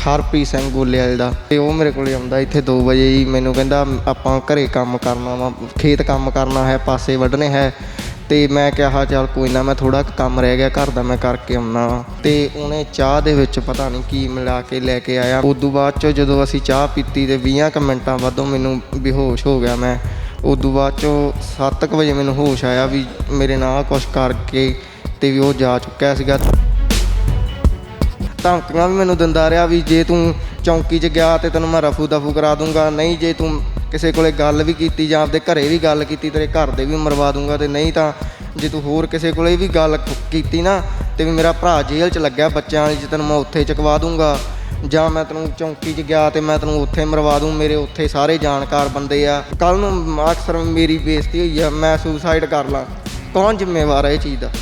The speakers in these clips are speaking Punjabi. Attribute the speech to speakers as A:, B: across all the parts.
A: ਹਰਪ੍ਰੀਤ ਸਿੰਘ ਗੋਲੇ ਵਾਲੇ ਦਾ। ਅਤੇ ਉਹ ਮੇਰੇ ਕੋਲ ਆਉਂਦਾ ਇੱਥੇ 2 ਵਜੇ ਜੀ। ਮੈਨੂੰ ਕਹਿੰਦਾ ਆਪਾਂ ਘਰੇ ਕੰਮ ਕਰਨਾ ਵਾ, ਖੇਤ ਕੰਮ ਕਰਨਾ ਹੈ, ਪਾਸੇ ਵੱਢਣੇ ਹੈ। ਅਤੇ ਮੈਂ ਕਿਹਾ ਚੱਲ ਕੋਈ ਨਾ, ਮੈਂ ਥੋੜ੍ਹਾ ਕੁ ਕੰਮ ਰਹਿ ਗਿਆ ਘਰ ਦਾ, ਮੈਂ ਕਰਕੇ ਆਉਂਦਾ ਵਾ। ਅਤੇ ਉਹਨੇ ਚਾਹ ਦੇ ਵਿੱਚ ਪਤਾ ਨਹੀਂ ਕੀ ਮਿਲਾ ਕੇ ਲੈ ਕੇ ਆਇਆ। ਉਦੋਂ ਬਾਅਦ 'ਚੋਂ ਜਦੋਂ ਅਸੀਂ ਚਾਹ ਪੀਤੀ ਅਤੇ 20 ਕੁ ਮਿੰਟਾਂ ਬਾਅਦੋਂ ਮੈਨੂੰ ਬੇਹੋਸ਼ ਹੋ ਗਿਆ ਮੈਂ। ਉਦੋਂ ਬਾਅਦ 'ਚੋਂ 7 ਕੁ ਵਜੇ ਮੈਨੂੰ ਹੋਸ਼ ਆਇਆ ਵੀ ਮੇਰੇ ਨਾਲ ਕੁਛ ਕਰਕੇ ਅਤੇ ਵੀ ਉਹ ਜਾ ਚੁੱਕਿਆ ਸੀਗਾ। ਧਮਕੀਆਂ ਵੀ ਮੈਨੂੰ ਦਿੰਦਾ ਰਿਹਾ ਵੀ ਜੇ ਤੂੰ ਚੌਂਕੀ 'ਚ ਗਿਆ ਤਾਂ ਤੈਨੂੰ ਮੈਂ ਰਫੂ ਦਫੂ ਕਰਾ ਦੂੰਗਾ, ਨਹੀਂ ਜੇ ਤੂੰ ਕਿਸੇ ਕੋਲੇ ਗੱਲ ਵੀ ਕੀਤੀ ਜਾਂ ਆਪਦੇ ਘਰੇ ਵੀ ਗੱਲ ਕੀਤੀ ਤੇਰੇ ਘਰ ਦੇ ਵੀ ਮਰਵਾ ਦੂੰਗਾ, ਅਤੇ ਨਹੀਂ ਤਾਂ ਜੇ ਤੂੰ ਹੋਰ ਕਿਸੇ ਕੋਲੇ ਵੀ ਗੱਲ ਕੀਤੀ ਨਾ ਅਤੇ ਵੀ ਮੇਰਾ ਭਰਾ ਜੇਲ੍ਹ 'ਚ ਲੱਗਿਆ ਬੱਚਿਆਂ ਵਾਲੀ 'ਚ, ਤੈਨੂੰ ਮੈਂ ਉੱਥੇ ਚੁਕਵਾ ਦੂੰਗਾ, ਜਾਂ ਮੈਂ ਤੈਨੂੰ ਚੌਂਕੀ 'ਚ ਗਿਆ ਅਤੇ ਮੈਂ ਤੈਨੂੰ ਉੱਥੇ ਮਰਵਾ ਦੂੰ, ਮੇਰੇ ਉੱਥੇ ਸਾਰੇ ਜਾਣਕਾਰ ਬੰਦੇ ਆ। ਕੱਲ੍ਹ ਨੂੰ ਅਕਸਰ ਮੇਰੀ ਬੇਇੱਜ਼ਤੀ ਹੋਈ ਆ, ਮੈਂ ਸੁਸਾਈਡ ਕਰ ਲਾਂ, ਕੌਣ ਜ਼ਿੰਮੇਵਾਰ ਹੈ ਇਹ ਚੀਜ਼ ਦਾ?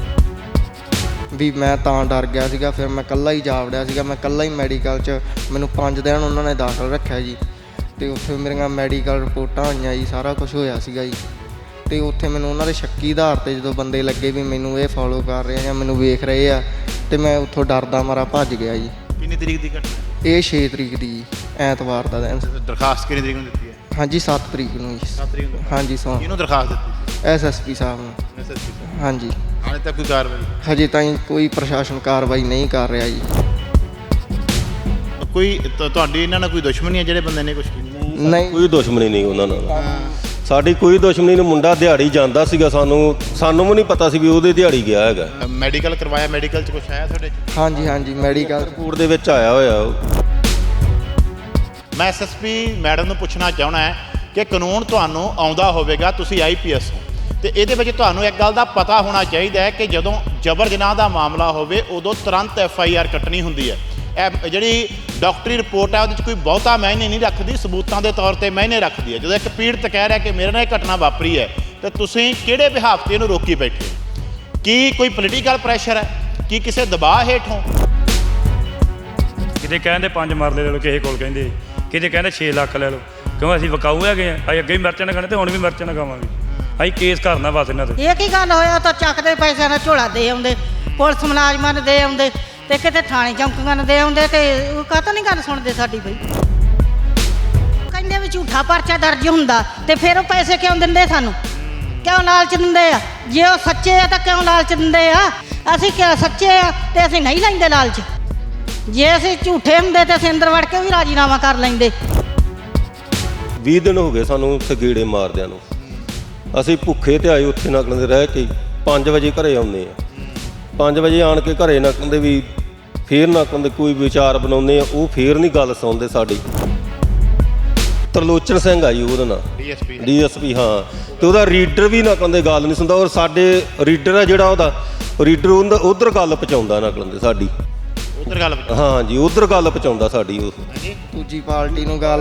A: ਵੀ ਮੈਂ ਤਾਂ ਡਰ ਗਿਆ ਸੀਗਾ। ਫਿਰ ਮੈਂ ਇਕੱਲਾ ਹੀ ਜਾ ਵੜਿਆ ਸੀਗਾ। ਮੈਂ ਇਕੱਲਾ ਹੀ ਮੈਡੀਕਲ 'ਚ, ਮੈਨੂੰ 5 ਦਿਨ ਉਹਨਾਂ ਨੇ ਦਾਖਲ ਰੱਖਿਆ ਜੀ। ਅਤੇ ਉੱਥੇ ਮੇਰੀਆਂ ਮੈਡੀਕਲ ਰਿਪੋਰਟਾਂ ਹੋਈਆਂ ਜੀ, ਸਾਰਾ ਕੁਛ ਹੋਇਆ ਸੀਗਾ ਜੀ। ਅਤੇ ਉੱਥੇ ਮੈਨੂੰ ਉਹਨਾਂ ਦੇ ਸ਼ੱਕੀ ਆਧਾਰ 'ਤੇ ਜਦੋਂ ਬੰਦੇ ਲੱਗੇ ਵੀ ਮੈਨੂੰ ਇਹ ਫੋਲੋ ਕਰ ਰਹੇ ਜਾਂ ਮੈਨੂੰ ਵੇਖ ਰਹੇ ਆ, ਅਤੇ ਮੈਂ ਉੱਥੋਂ ਡਰਦਾ ਮਾਰਾ ਭੱਜ ਗਿਆ ਜੀ।
B: ਕਿੰਨੀ ਤਰੀਕ ਦੀ ਘਟਨਾ?
A: ਇਹ 6 ਤਰੀਕ ਦੀ ਜੀ, ਐਤਵਾਰ ਦਾ ਦਿਨ।
B: ਦਰਖਾਸਤ ਕਿੰਨੀ ਤਰੀਕ ਨੂੰ ਦਿੱਤੀ ਹੈ?
A: ਹਾਂਜੀ 7 ਤਰੀਕ ਨੂੰ ਜੀ।
B: 7 ਤਰੀਕ ਨੂੰ?
A: ਹਾਂਜੀ ਸੌ
B: ਕਿਹਨੂੰ ਦਰਖਾਸਤ ਦਿੱਤੀ?
A: SSP ਸਾਹਿਬ ਨੂੰ।
B: SSP ਸਾਹਿਬ?
A: ਹਾਂਜੀ।
B: ਹਾਲੇ ਤੱਕ ਕੋਈ ਕਾਰਵਾਈ?
A: ਹਜੇ ਤਾਈਂ ਕੋਈ ਪ੍ਰਸ਼ਾਸਨ ਕਾਰਵਾਈ ਨਹੀਂ ਕਰ ਰਿਹਾ ਜੀ।
B: ਕੋਈ ਤੁਹਾਡੀ ਇਹਨਾਂ ਨਾਲ ਕੋਈ ਦੁਸ਼ਮਣੀ ਹੈ ਜਿਹੜੇ ਬੰਦੇ ਨੇ ਕੁਛ ਕੀਤਾ?
A: ਨਹੀਂ,
C: ਕੋਈ ਦੁਸ਼ਮਣੀ ਨਹੀਂ ਉਹਨਾਂ ਨਾਲ, ਸਾਡੀ ਕੋਈ ਦੁਸ਼ਮਣੀ ਨਹੀਂ। ਮੁੰਡਾ ਦਿਹਾੜੀ ਜਾਂਦਾ ਸੀਗਾ, ਸਾਨੂੰ ਵੀ ਨਹੀਂ ਪਤਾ ਸੀ ਵੀ ਉਹਦੇ ਦਿਹਾੜੀ ਗਿਆ ਹੈਗਾ।
B: ਮੈਡੀਕਲ ਕਰਵਾਇਆ? ਮੈਡੀਕਲ 'ਚ ਕੁਛ ਆਇਆ ਤੁਹਾਡੇ 'ਚ?
A: ਹਾਂਜੀ ਹਾਂਜੀ, ਮੈਡੀਕਲ
C: ਰਿਪੋਰਟ ਦੇ ਵਿੱਚ ਆਇਆ ਹੋਇਆ ਉਹ।
B: ਮੈਂ SSP ਮੈਡਮ ਨੂੰ ਪੁੱਛਣਾ ਚਾਹੁੰਦਾ ਹੈ ਕਿ ਕਾਨੂੰਨ ਤੁਹਾਨੂੰ ਆਉਂਦਾ ਹੋਵੇਗਾ, ਤੁਸੀਂ IPS ਹੋ, ਅਤੇ ਇਹਦੇ ਵਿੱਚ ਤੁਹਾਨੂੰ ਇੱਕ ਗੱਲ ਦਾ ਪਤਾ ਹੋਣਾ ਚਾਹੀਦਾ ਹੈ ਕਿ ਜਦੋਂ ਜਬਰ ਜਨਾਹ ਦਾ ਮਾਮਲਾ ਹੋਵੇ ਉਦੋਂ ਤੁਰੰਤ FIR ਕੱਟਣੀ ਹੁੰਦੀ ਹੈ। ਇਹ ਜਿਹੜੀ ਡਾਕਟਰੀ ਰਿਪੋਰਟ ਹੈ ਉਹਦੇ 'ਚ ਕੋਈ ਬਹੁਤਾ ਮਾਇਨੇ ਨਹੀਂ ਰੱਖਦੀ, ਸਬੂਤਾਂ ਦੇ ਤੌਰ 'ਤੇ ਮਾਇਨੇ ਰੱਖਦੀ ਹੈ। ਜਦੋਂ ਇੱਕ ਪੀੜਤ ਕਹਿ ਰਿਹਾ ਕਿ ਮੇਰੇ ਨਾਲ ਇਹ ਘਟਨਾ ਵਾਪਰੀ ਹੈ, ਤਾਂ ਤੁਸੀਂ ਕਿਹੜੇ ਬਿਹਾਫ 'ਤੇ ਇਹਨੂੰ ਰੋਕੀ ਬੈਠੇ ਹੋ? ਕੀ ਕੋਈ ਪੋਲੀਟੀਕਲ ਪ੍ਰੈਸ਼ਰ ਹੈ? ਕੀ ਕਿਸੇ ਦਬਾਅ ਹੇਠੋਂ?
D: ਕਿਤੇ ਕਹਿੰਦੇ 5 ਮਰਲੇ ਲੈ ਲਓ, ਕਿਸੇ ਕੋਲ ਕਹਿੰਦੇ, ਕਿਤੇ ਕਹਿੰਦੇ 6 ਲੱਖ ਲੈ ਲਓ, ਕਿਉਂ ਅਸੀਂ ਵਿਕਾਊ ਹੈਗੇ ਆ, ਅਸੀਂ ਅੱਗੇ ਵੀ ਮਿਰਚਾਂ ਨਾ ਖਾਣੇ ਅਤੇ ਹੁਣ ਵੀ ਮਿਰਚਾਂ ਨਾ ਖਾਵਾਂਗੇ। ਅਸੀਂ ਕੇਸ ਕਰਨਾ ਬਸ ਇਹਨਾਂ 'ਤੇ।
E: ਇਹ ਕੀ ਗੱਲ ਹੋਇਆ? ਤਾਂ ਚੱਕਦੇ ਪੈਸਿਆਂ ਦਾ ਝੋਲਾ ਦੇ ਆਉਂਦੇ, ਪੁਲਿਸ ਮੁਲਾਜ਼ਮਾਂ ਨੂੰ ਦੇ ਆਉਂਦੇ, ਅਤੇ ਕਿਤੇ ਥਾਣੇ ਚੌਂਕੀਆਂ ਨੂੰ ਦੇ ਆਉਂਦੇ, ਅਤੇ ਉਹ ਕਾਹਤੋਂ ਨਹੀਂ ਗੱਲ ਸੁਣਦੇ ਸਾਡੀ? ਬਈ ਕਹਿੰਦੇ ਵੀ ਝੂਠਾ ਪਰਚਾ ਦਰਜ ਹੁੰਦਾ, ਅਤੇ ਫਿਰ ਉਹ ਪੈਸੇ ਕਿਉਂ ਦਿੰਦੇ ਸਾਨੂੰ? ਕਿਉਂ ਲਾਲਚ ਦਿੰਦੇ ਆ? ਜੇ ਉਹ ਸੱਚੇ ਆ ਤਾਂ ਕਿਉਂ ਲਾਲਚ ਦਿੰਦੇ ਆ? ਅਸੀਂ ਸੱਚੇ ਆ ਅਤੇ ਅਸੀਂ ਨਹੀਂ ਲੈਂਦੇ ਲਾਲਚ। ਜੇ ਅਸੀਂ ਝੂਠੇ ਹੁੰਦੇ ਤਾਂ ਅਸੀਂ ਅੰਦਰ ਵੜ ਕੇ ਵੀ ਰਾਜੀਨਾਮਾ ਕਰ ਲੈਂਦੇ।
C: 20 ਦਿਨ ਹੋ ਗਏ ਸਾਨੂੰ ਉੱਥੇ ਗੇੜੇ ਮਾਰਦਿਆਂ ਨੂੰ। ਅਸੀਂ ਭੁੱਖੇ ਤੇ ਆਏ ਉੱਥੇ ਨਕਲਾਂ ਦੇ ਰਹਿ ਕੇ 5 ਵਜੇ ਘਰੇ ਆਉਂਦੇ ਆ। 5 ਵਜੇ ਆਣ ਕੇ ਘਰੇ ਨਕਲਾਂ ਦੇ ਵੀ ਫੇਰ ਨਕਲਾਂ ਦੇ ਕੋਈ ਵਿਚਾਰ ਬਣਾਉਂਦੇ ਆ, ਉਹ ਫੇਰ ਨਹੀਂ ਗੱਲ ਸੁਣਦੇ ਸਾਡੀ। ਤਰਲੋਚਨ ਸਿੰਘ ਆ ਜੀ ਉਹਦਾ ਨਾਂ, DSP ਹਾਂ। ਅਤੇ ਉਹਦਾ ਰੀਡਰ ਵੀ ਨਕਲਾਂ ਦੇ ਗੱਲ ਨਹੀਂ ਸੁਣਦਾ, ਔਰ ਸਾਡੇ ਰੀਡਰ ਆ ਜਿਹੜਾ ਉਹਦਾ ਰੀਡਰ ਉੱਧਰ ਗੱਲ ਪਹੁੰਚਾਉਂਦਾ ਨਕਲਾਂ ਦੇ ਸਾਡੀ।
B: ਉੱਧਰ ਗੱਲ?
C: ਹਾਂ ਜੀ, ਉੱਧਰ ਗੱਲ ਪਹੁੰਚਾਉਂਦਾ ਸਾਡੀ। ਉਹ
A: ਦੂਜੀ ਪਾਰਟੀ ਨੂੰ ਗੱਲ।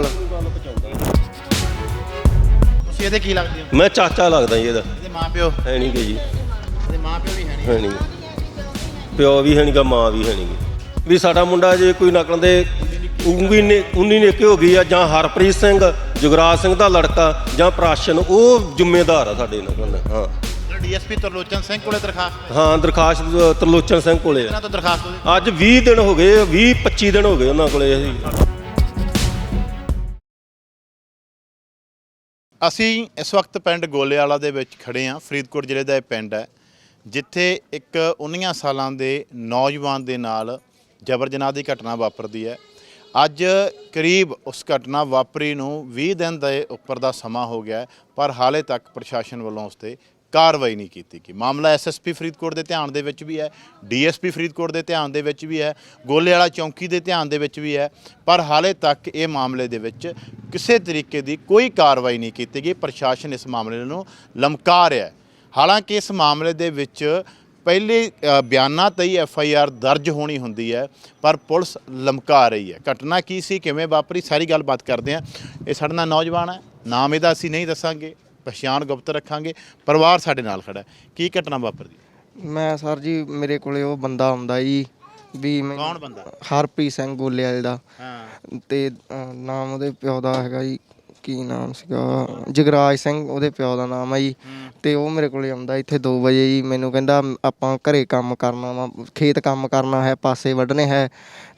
B: ਤੁਸੀਂ ਇਹਦੇ ਕੀ ਲੱਗਦੇ ਹੋ?
C: ਮੈਂ ਚਾਚਾ ਲੱਗਦਾ ਜੀ ਇਹਦਾ।
B: ਇਹਦੇ ਮਾਂ ਪਿਓ
C: ਹੈ ਨਹੀਂ ਗੇ ਜੀ।
B: ਇਹਦੇ ਮਾਂ ਪਿਓ ਵੀ
C: ਹੈ ਨਹੀਂ, ਪਿਓ ਵੀ ਹੈ ਨਹੀਂ ਗਾ, ਮਾਂ ਵੀ ਹੈ ਨਹੀਂ ਗੀ। ਵੀ ਸਾਡਾ ਮੁੰਡਾ ਜੇ ਕੋਈ ਨਕਲਾਂ ਦੇ 19 ਨੇਕੇ ਹੋ ਗਈ ਆ, ਜਾਂ ਹਰਪ੍ਰੀਤ ਸਿੰਘ ਜੁਗਰਾਜ ਸਿੰਘ ਦਾ ਲੜਕਾ ਜਾਂ ਪ੍ਰਾਸ਼ਨ, ਉਹ ਜ਼ਿੰਮੇਦਾਰ ਆ ਸਾਡੇ ਨਕਲਾਂ ਦਾ। ਹਾਂ,
B: DSP ਤਰਲੋਚਨ ਸਿੰਘ ਕੋਲੇ ਦਰਖਾਸਤ?
C: ਹਾਂ, ਦਰਖਾਸਤ ਤਰਲੋਚਨ ਸਿੰਘ ਕੋਲੇ ਆ।
B: ਇਹਨਾਂ ਤੋਂ ਦਰਖਾਸਤ
C: ਅੱਜ 20 ਦਿਨ ਹੋ ਗਏ, 20-25 ਦਿਨ ਹੋ ਗਏ ਉਹਨਾਂ ਕੋਲੇ।
B: ਅਸੀਂ ਇਸ ਵਕਤ ਪਿੰਡ ਗੋਲੇਵਾਲਾ ਦੇ ਵਿੱਚ ਖੜ੍ਹੇ ਹਾਂ। ਫਰੀਦਕੋਟ ਜ਼ਿਲ੍ਹੇ ਦਾ ਇਹ ਪਿੰਡ ਹੈ ਜਿੱਥੇ ਇੱਕ 19 ਸਾਲਾਂ ਦੇ ਨੌਜਵਾਨ ਦੇ ਨਾਲ ਜਬਰ ਜਨਾਹ ਦੀ ਘਟਨਾ ਵਾਪਰਦੀ ਹੈ। ਅੱਜ ਕਰੀਬ ਉਸ ਘਟਨਾ ਵਾਪਰੀ ਨੂੰ 20 ਦਿਨ ਦੇ ਉੱਪਰ ਦਾ ਸਮਾਂ ਹੋ ਗਿਆ, ਪਰ ਹਾਲੇ ਤੱਕ ਪ੍ਰਸ਼ਾਸਨ ਵੱਲੋਂ ਉਸ 'ਤੇ ਕਾਰਵਾਈ ਨਹੀਂ ਕੀਤੀ ਗਈ। ਮਾਮਲਾ SSP ਫਰੀਦਕੋਟ ਦੇ ਧਿਆਨ ਦੇ ਵਿੱਚ ਵੀ ਹੈ, DSP ਫਰੀਦਕੋਟ ਦੇ ਧਿਆਨ ਦੇ ਵਿੱਚ ਵੀ ਹੈ, ਗੋਲੇਵਾਲਾ ਚੌਂਕੀ ਦੇ ਧਿਆਨ ਦੇ ਵਿੱਚ ਵੀ ਹੈ, ਪਰ ਹਾਲੇ ਤੱਕ ਇਹ ਮਾਮਲੇ ਦੇ ਵਿੱਚ ਕਿਸੇ ਤਰੀਕੇ ਦੀ ਕੋਈ ਕਾਰਵਾਈ ਨਹੀਂ ਕੀਤੀ ਗਈ। ਪ੍ਰਸ਼ਾਸਨ ਇਸ ਮਾਮਲੇ ਨੂੰ ਲਮਕਾ ਰਿਹਾ ਹੈ। ਹਾਲਾਂਕਿ ਇਸ ਮਾਮਲੇ ਦੇ ਵਿੱਚ ਪਹਿਲੇ ਬਿਆਨਾਂ 'ਤੇ ਹੀ FIR ਦਰਜ ਹੋਣੀ ਹੁੰਦੀ ਹੈ, ਪਰ ਪੁਲਿਸ ਲਮਕਾ ਰਹੀ ਹੈ। ਘਟਨਾ ਕੀ ਸੀ, ਕਿਵੇਂ ਵਾਪਰੀ, ਸਾਰੀ ਗੱਲਬਾਤ ਕਰਦੇ ਹਾਂ। ਇਹ ਸਾਡੇ ਨਾਲ ਨੌਜਵਾਨ ਹੈ, ਨਾਮ ਇਹਦਾ ਅਸੀਂ ਨਹੀਂ ਦੱਸਾਂਗੇ, ਪਛਾਣ ਗੁਪਤ ਰੱਖਾਂਗੇ। ਪਰਿਵਾਰ ਸਾਡੇ ਨਾਲ ਖੜਾ। ਕੀ ਘਟਨਾ ਵਾਪਰਦੀ?
A: ਮੈਂ ਸਰ ਜੀ, ਮੇਰੇ ਕੋਲੇ ਉਹ ਬੰਦਾ ਆਉਂਦਾ ਜੀ ਵੀ।
B: ਕੌਣ ਬੰਦਾ?
A: ਹਰਪ੍ਰੀਤ ਸਿੰਘ ਗੋਲੇ ਵਾਲੇ ਦਾ।
B: ਹਾਂ।
A: ਅਤੇ ਨਾਮ ਉਹਦੇ ਪਿਓ ਦਾ ਹੈਗਾ ਜੀ, ਕੀ ਨਾਮ ਸੀਗਾ, ਜਗਰਾਜ ਸਿੰਘ ਉਹਦੇ ਪਿਓ ਦਾ ਨਾਮ ਹੈ ਜੀ। ਅਤੇ ਉਹ ਮੇਰੇ ਕੋਲ ਆਉਂਦਾ ਇੱਥੇ 2 ਵਜੇ ਜੀ। ਮੈਨੂੰ ਕਹਿੰਦਾ ਆਪਾਂ ਘਰੇ ਕੰਮ ਕਰਨਾ ਵਾ, ਖੇਤ ਕੰਮ ਕਰਨਾ ਹੈ, ਪਾਸੇ ਵੱਢਣੇ ਹੈ,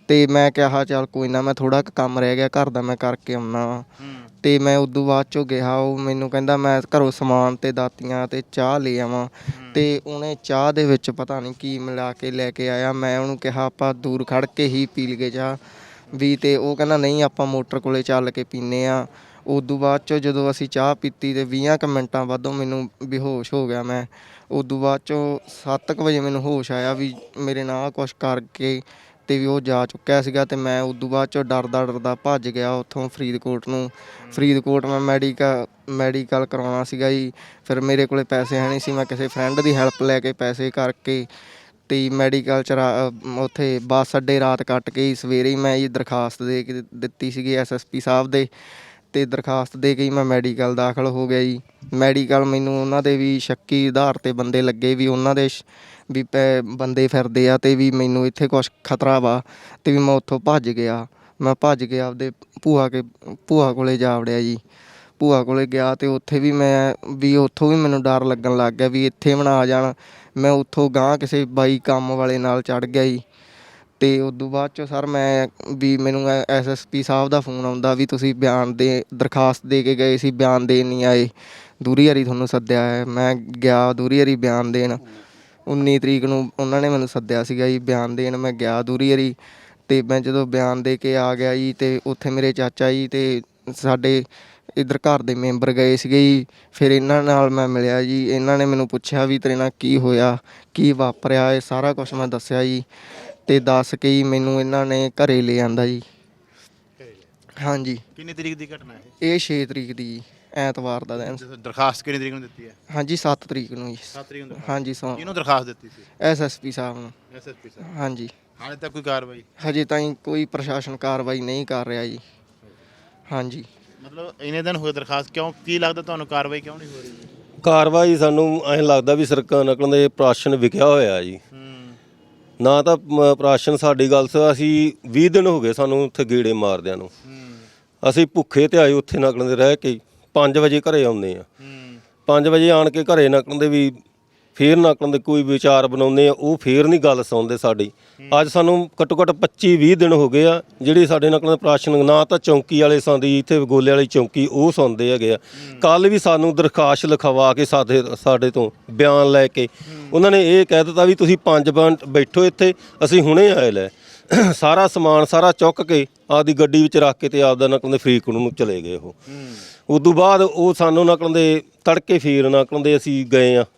A: ਤੇ ਮੈਂ ਕਿਹਾ ਚੱਲ ਕੋਈ ਨਾ, ਮੈਂ ਥੋੜਾ ਕੁ ਕੰਮ ਰਹਿ ਗਿਆ ਘਰ ਦਾ, ਮੈਂ ਕਰਕੇ ਆਉਣਾ ਵਾ। ਤੇ ਮੈਂ ਉਦੋਂ ਬਾਅਦ ਚੋਂ ਗਿਆ, ਉਹ ਮੈਨੂੰ ਕਹਿੰਦਾ ਮੈਂ ਘਰੋਂ ਸਮਾਨ ਤੇ ਦਾਤੀਆਂ ਤੇ ਚਾਹ ਲੈ ਆਵਾਂ। ਤੇ ਉਹਨੇ ਚਾਹ ਦੇ ਵਿੱਚ ਪਤਾ ਨਹੀਂ ਕੀ ਮਿਲਾ ਕੇ ਲੈ ਕੇ ਆਇਆ। ਮੈਂ ਉਹਨੂੰ ਕਿਹਾ ਆਪਾਂ ਦੂਰ ਖੜ ਕੇ ਹੀ ਪੀ ਲਈਏ ਚਾਹ ਵੀ, ਤੇ ਉਹ ਕਹਿੰਦਾ ਨਹੀਂ ਆਪਾਂ ਮੋਟਰ ਕੋਲੇ ਚੱਲ ਕੇ ਪੀਨੇ ਆ। ਉਦੋਂ ਬਾਅਦ ਚੋਂ ਜਦੋਂ ਅਸੀਂ ਚਾਹ ਪੀਤੀ ਤੇ 20 ਕੁ ਮਿੰਟਾਂ ਬਾਅਦੋਂ ਮੈਨੂੰ ਬੇਹੋਸ਼ ਹੋ ਗਿਆ ਮੈਂ। ਉਦੋਂ ਬਾਅਦ ਚੋਂ 7 ਕੁ ਵਜੇ ਮੈਨੂੰ ਹੋਸ਼ ਆਇਆ ਵੀ ਮੇਰੇ ਨਾਲ ਕੁਛ ਕਰਕੇ ਤੇ ਵੀ ਉਹ ਜਾ ਚੁੱਕਿਆ ਸੀਗਾ। ਤੇ ਮੈਂ ਉਦੋਂ ਬਾਅਦ ਚੋਂ ਡਰਦਾ ਭੱਜ ਗਿਆ ਉੱਥੋਂ ਫਰੀਦਕੋਟ ਨੂੰ। ਫਰੀਦਕੋਟ ਮੈਂ ਮੈਡੀਕਲ ਕਰਾਉਣਾ ਸੀਗਾ ਜੀ। ਫਿਰ ਮੇਰੇ ਕੋਲੇ ਪੈਸੇ ਹੈ ਨਹੀਂ ਸੀ, ਮੈਂ ਕਿਸੇ ਫਰੈਂਡ ਦੀ ਹੈਲਪ ਲੈ ਕੇ ਪੈਸੇ ਕਰਕੇ ਤੇ ਮੈਡੀਕਲ 'ਚ ਉੱਥੇ ਬੱਸ ਅੱਡੇ ਰਾਤ ਕੱਟ ਕੇ ਸਵੇਰੇ ਹੀ ਮੈਂ ਜੀ ਦਰਖਾਸਤ ਦੇ ਕੇ ਦਿੱਤੀ ਸੀਗੀ SSP ਸਾਹਿਬ ਦੇ। ਤੇ ਦਰਖਾਸਤ ਦੇ ਕੇ ਹੀ ਮੈਂ ਮੈਡੀਕਲ ਦਾਖਲ ਹੋ ਗਿਆ ਜੀ। ਮੈਡੀਕਲ ਮੈਨੂੰ ਉਹਨਾਂ ਦੇ ਵੀ ਸ਼ੱਕੀ ਆਧਾਰ 'ਤੇ ਬੰਦੇ ਲੱਗੇ ਵੀ ਉਹਨਾਂ ਦੇ ਵੀ ਬੰਦੇ ਫਿਰਦੇ ਆ ਤੇ ਵੀ ਮੈਨੂੰ ਇੱਥੇ ਕੁਛ ਖਤਰਾ ਵਾ। ਤੇ ਵੀ ਮੈਂ ਉੱਥੋਂ ਭੱਜ ਗਿਆ। ਮੈਂ ਭੱਜ ਕੇ ਆਪਦੇ ਭੂਆ ਕੋਲੇ ਜਾ ਵੜਿਆ ਜੀ। ਭੂਆ ਕੋਲੇ ਗਿਆ ਤੇ ਉੱਥੇ ਵੀ ਉੱਥੋਂ ਵੀ ਮੈਨੂੰ ਡਰ ਲੱਗਣ ਲੱਗ ਗਿਆ ਵੀ ਇੱਥੇ ਵੀ ਨਾ ਆ ਜਾਣ। ਮੈਂ ਉੱਥੋਂ ਗਾਂਹ ਕਿਸੇ ਬਾਈ ਕੰਮ ਵਾਲੇ ਨਾਲ ਚੜ੍ਹ ਗਿਆ ਜੀ। ਤੇ ਉਦੋਂ ਬਾਅਦ 'ਚੋਂ ਸਰ ਮੈਨੂੰ SSP ਸਾਹਿਬ ਦਾ ਫੋਨ ਆਉਂਦਾ ਵੀ ਤੁਸੀਂ ਦਰਖਾਸਤ ਦੇ ਕੇ ਗਏ ਸੀ, ਬਿਆਨ ਦੇਣ ਨਹੀਂ ਆਏ, ਦੂਰੀ ਹਰੀ ਤੁਹਾਨੂੰ ਸੱਦਿਆ ਹੈ। ਮੈਂ ਗਿਆ ਦੂਰੀ ਹਰੀ ਬਿਆਨ ਦੇਣ। 19 ਤਰੀਕ ਨੂੰ ਉਹਨਾਂ ਨੇ ਮੈਨੂੰ ਸੱਦਿਆ ਸੀਗਾ ਜੀ ਬਿਆਨ ਦੇਣ। ਮੈਂ ਗਿਆ ਦੂਰੀ ਹਰੀ ਤੇ ਮੈਂ ਜਦੋਂ ਬਿਆਨ ਦੇ ਕੇ ਆ ਗਿਆ ਜੀ ਤੇ ਉੱਥੇ ਮੇਰੇ ਚਾਚਾ ਜੀ ਤੇ ਸਾਡੇ ਇੱਧਰ ਘਰ ਦੇ ਮੈਂਬਰ ਗਏ ਸੀਗੇ ਜੀ। ਫਿਰ ਇਹਨਾਂ ਨਾਲ ਮੈਂ ਮਿਲਿਆ ਜੀ। ਇਹਨਾਂ ਨੇ ਮੈਨੂੰ ਪੁੱਛਿਆ ਵੀ ਤੇਰੇ ਨਾਲ ਕੀ ਹੋਇਆ, ਕੀ ਵਾਪਰਿਆ, ਇਹ ਸਾਰਾ ਕੁਛ ਮੈਂ ਦੱਸਿਆ ਜੀ। ਤੇ ਦੱਸ ਕੇ ਹੀ ਮੈਨੂੰ ਇਹਨਾਂ ਨੇ ਘਰੇ ਲੈ ਆਂਦਾ ਜੀ। ਹਾਂਜੀ।
B: ਕਿੰਨੀ ਤਰੀਕ ਦੀ ਘਟਨਾ ਹੈ
A: ਇਹ 6 ਤਰੀਕ ਦੀ ਜੀ, ਐਤਵਾਰ ਦਾ ਦਿਨ।
B: ਦਰਖਾਸਤ ਕਿੰਨੀ ਤਰੀਕ ਨੂੰ ਦਿੱਤੀ ਹੈ?
A: ਹਾਂਜੀ 7 ਤਰੀਕ ਨੂੰ ਜੀ।
B: 7 ਤਰੀਕ ਨੂੰ
A: ਹਾਂਜੀ
B: ਕਿਹਨੂੰ ਦਰਖਾਸਤ ਦਿੱਤੀ ਸੀ?
A: SSP ਸਾਹਿਬ ਨੂੰ।
B: SSP ਸਾਹਿਬ।
A: ਹਾਂਜੀ।
B: ਹਾਲੇ ਤੱਕ ਕੋਈ ਕਾਰਵਾਈ?
A: ਹਜੇ ਤਾਈਂ ਕੋਈ ਪ੍ਰਸ਼ਾਸਨ ਕਾਰਵਾਈ ਨਹੀਂ ਕਰ ਰਿਹਾ ਜੀ। ਹਾਂਜੀ।
B: ਮਤਲਬ ਇੰਨੇ ਦਿਨ ਹੋਏ ਦਰਖਾਸਤ, ਕਿਉਂ ਕੀ ਲੱਗਦਾ ਤੁਹਾਨੂੰ ਕਾਰਵਾਈ ਕਿਉਂ ਨਹੀਂ ਹੋ ਰਹੀ?
C: ਕਾਰਵਾਈ ਸਾਨੂੰ ਐਂ ਲੱਗਦਾ ਵੀ ਸਰਕਾਰ ਨਕਲ ਦੇ ਪ੍ਰਾਸ਼ਨ ਵਿਕਿਆ ਹੋਇਆ ਜੀ। ਨਾ ਤਾਂ ਪ੍ਰਾਸ਼ਨ ਸਾਡੀ ਗੱਲ ਅਸੀਂ 20 ਦਿਨ ਹੋ ਗਏ ਸਾਨੂੰ ਉੱਥੇ ਗੇੜੇ ਮਾਰਦਿਆਂ ਨੂੰ। ਅਸੀਂ ਭੁੱਖੇ ਤੇ ਆਏ ਉੱਥੇ ਨਕਲ ਦੇ ਰਹਿ ਕੇ 5 ਵਜੇ ਘਰੇ ਆਉਂਦੇ ਆ। 5 ਵਜੇ ਆਣ ਕੇ ਘਰੇ ਨਕਲ ਦੇ ਵੀ ਫੇਰ ਨਕਲ ਦੇ ਕੋਈ ਵਿਚਾਰ ਬਣਾਉਂਦੇ ਆ, ਉਹ ਫੇਰ ਨਹੀਂ ਗੱਲ ਸੁਣਦੇ ਸਾਡੀ। ਅੱਜ ਸਾਨੂੰ ਘੱਟੋ ਘੱਟ 25-20 ਦਿਨ ਹੋ ਗਏ ਆ ਜਿਹੜੀ ਸਾਡੇ ਨਕਲ ਦੇ ਪ੍ਰਾਸ਼ਨ ਨਾ ਤਾਂ ਚੌਂਕੀ ਵਾਲੇ ਸੁਣਦੀ, ਇੱਥੇ ਗੋਲੇ ਵਾਲੀ ਚੌਂਕੀ ਉਹ ਸੁਣਦੇ ਹੈਗੇ ਆ। ਕੱਲ ਵੀ ਸਾਨੂੰ ਦਰਖਾਸਤ ਲਿਖਵਾ ਕੇ ਸਾਡੇ ਤੋਂ ਬਿਆਨ ਲੈ ਕੇ ਉਹਨਾਂ ਨੇ ਇਹ ਕਹਿ ਦਿੱਤਾ ਵੀ ਤੁਸੀਂ 5 ਮਿੰਟ ਬੈਠੋ ਇੱਥੇ, ਅਸੀਂ ਹੁਣੇ ਆਏ ਲੈ। ਸਾਰਾ ਸਮਾਨ ਸਾਰਾ ਚੁੱਕ ਕੇ ਆਪਦੀ ਗੱਡੀ ਵਿੱਚ ਰੱਖ ਕੇ ਤੇ ਆਪਦਾ ਨਕਲ ਦੇ ਫਰੀਦਕੋਟ ਨੂੰ ਚਲੇ ਗਏ ਉਹ। ਉਦੋਂ ਬਾਅਦ ਉਹ ਸਾਨੂੰ ਨਕਲ ਦੇ ਤੜਕੇ ਫੇਰ ਨਕਲ ਦੇ ਅਸੀਂ ਗਏ ਆ।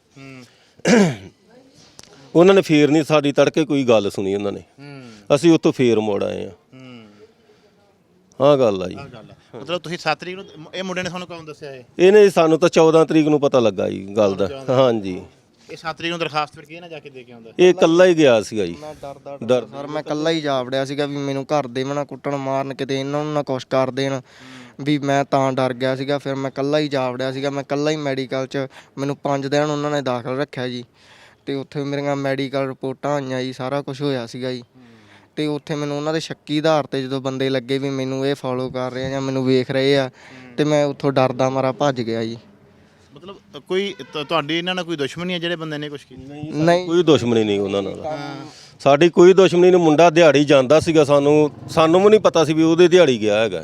C: ਉਹਨਾਂ ਨੇ ਫੇਰ ਨਹੀਂ ਸਾਡੀ ਤੜਕੇ ਕੋਈ ਗੱਲ ਸੁਣੀ ਉਹਨਾਂ ਨੇ। ਅਸੀਂ ਉੱਥੋਂ ਫੇਰ ਮੁੜ ਆਏ ਆ। ਆਹ ਗੱਲ ਆ ਜੀ।
B: ਮਤਲਬ ਤੁਸੀਂ 7 ਤਰੀਕ ਨੂੰ ਇਹ ਮੁੰਡੇ ਨੇ ਤੁਹਾਨੂੰ ਕਦੋਂ ਦੱਸਿਆ?
C: ਇਹਨੇ ਸਾਨੂੰ ਤਾਂ 14 ਤਰੀਕ ਨੂੰ ਪਤਾ ਲੱਗਾ ਜੀ ਗੱਲ ਦਾ। ਹਾਂਜੀ।
B: ਇਹ 7 ਤਰੀਕ ਨੂੰ ਦਰਖਾਸਤ ਫਿਰ ਕਿਹਨੇ ਜਾ ਕੇ ਦੇ ਕੇ ਆਉਂਦਾ?
C: ਇਹ ਇਕੱਲਾ ਹੀ ਗਿਆ ਸੀਗਾ ਜੀ।
A: ਮੈਂ ਡਰ ਸਰ ਮੈਂ ਇਕੱਲਾ ਹੀ ਜਾ ਵੜਿਆ ਸੀਗਾ ਵੀ ਮੈਨੂੰ ਘਰ ਦੇ ਵੀ ਨਾ ਕੁੱਟਣ ਮਾਰਨ, ਕਿਤੇ ਇਹਨਾਂ ਨੂੰ ਨਾ ਕੁਛ ਕਰ ਦੇਣ, ਵੀ ਮੈਂ ਤਾਂ ਡਰ ਗਿਆ ਸੀਗਾ। ਫਿਰ ਮੈਂ ਇਕੱਲਾ ਹੀ ਜਾ ਵੜਿਆ ਸੀਗਾ। ਮੈਂ ਇਕੱਲਾ ਹੀ ਮੈਡੀਕਲ 'ਚ ਮੈਨੂੰ 5 ਦਿਨ ਉਹਨਾਂ ਨੇ ਦਾਖਲ ਰੱਖਿਆ ਜੀ। ਤੇ ਉੱਥੇ ਮੇਰੀਆਂ ਮੈਡੀਕਲ ਰਿਪੋਰਟਾਂ ਆਈਆਂ ਜੀ, ਸਾਰਾ ਕੁਝ ਹੋਇਆ ਸੀਗਾ ਜੀ। ਤੇ ਉੱਥੇ ਮੈਨੂੰ ਉਹਨਾਂ ਦੇ ਸ਼ੱਕੀ ਆਧਾਰ 'ਤੇ ਜਦੋਂ ਬੰਦੇ ਲੱਗੇ ਵੀ ਮੈਨੂੰ ਇਹ ਫੋਲੋ ਕਰ ਰਹੇ ਆ ਜਾਂ ਮੈਨੂੰ ਵੇਖ ਰਹੇ ਆ, ਤੇ ਮੈਂ ਉੱਥੋਂ ਡਰਦਾ ਮਾਰਾ ਭੱਜ ਗਿਆ ਜੀ।
B: ਮਤਲਬ ਕੋਈ ਤੁਹਾਡੀ ਇਹਨਾਂ ਨਾਲ ਕੋਈ ਦੁਸ਼ਮਣੀ ਹੈ ਜਿਹੜੇ ਬੰਦੇ ਨੇ ਕੁਝ ਕੀਤਾ?
A: ਨਹੀਂ,
C: ਕੋਈ ਦੁਸ਼ਮਣੀ ਨਹੀਂ ਉਹਨਾਂ ਨਾਲ ਸਾਡੀ, ਕੋਈ ਦੁਸ਼ਮਣੀ ਨਹੀਂ। ਮੁੰਡਾ ਦਿਹਾੜੀ ਜਾਂਦਾ ਸੀਗਾ, ਸਾਨੂੰ ਵੀ ਨਹੀਂ ਪਤਾ ਸੀ ਵੀ ਉਹਦੇ ਦਿਹਾੜੀ ਗਿਆ ਹੈਗਾ।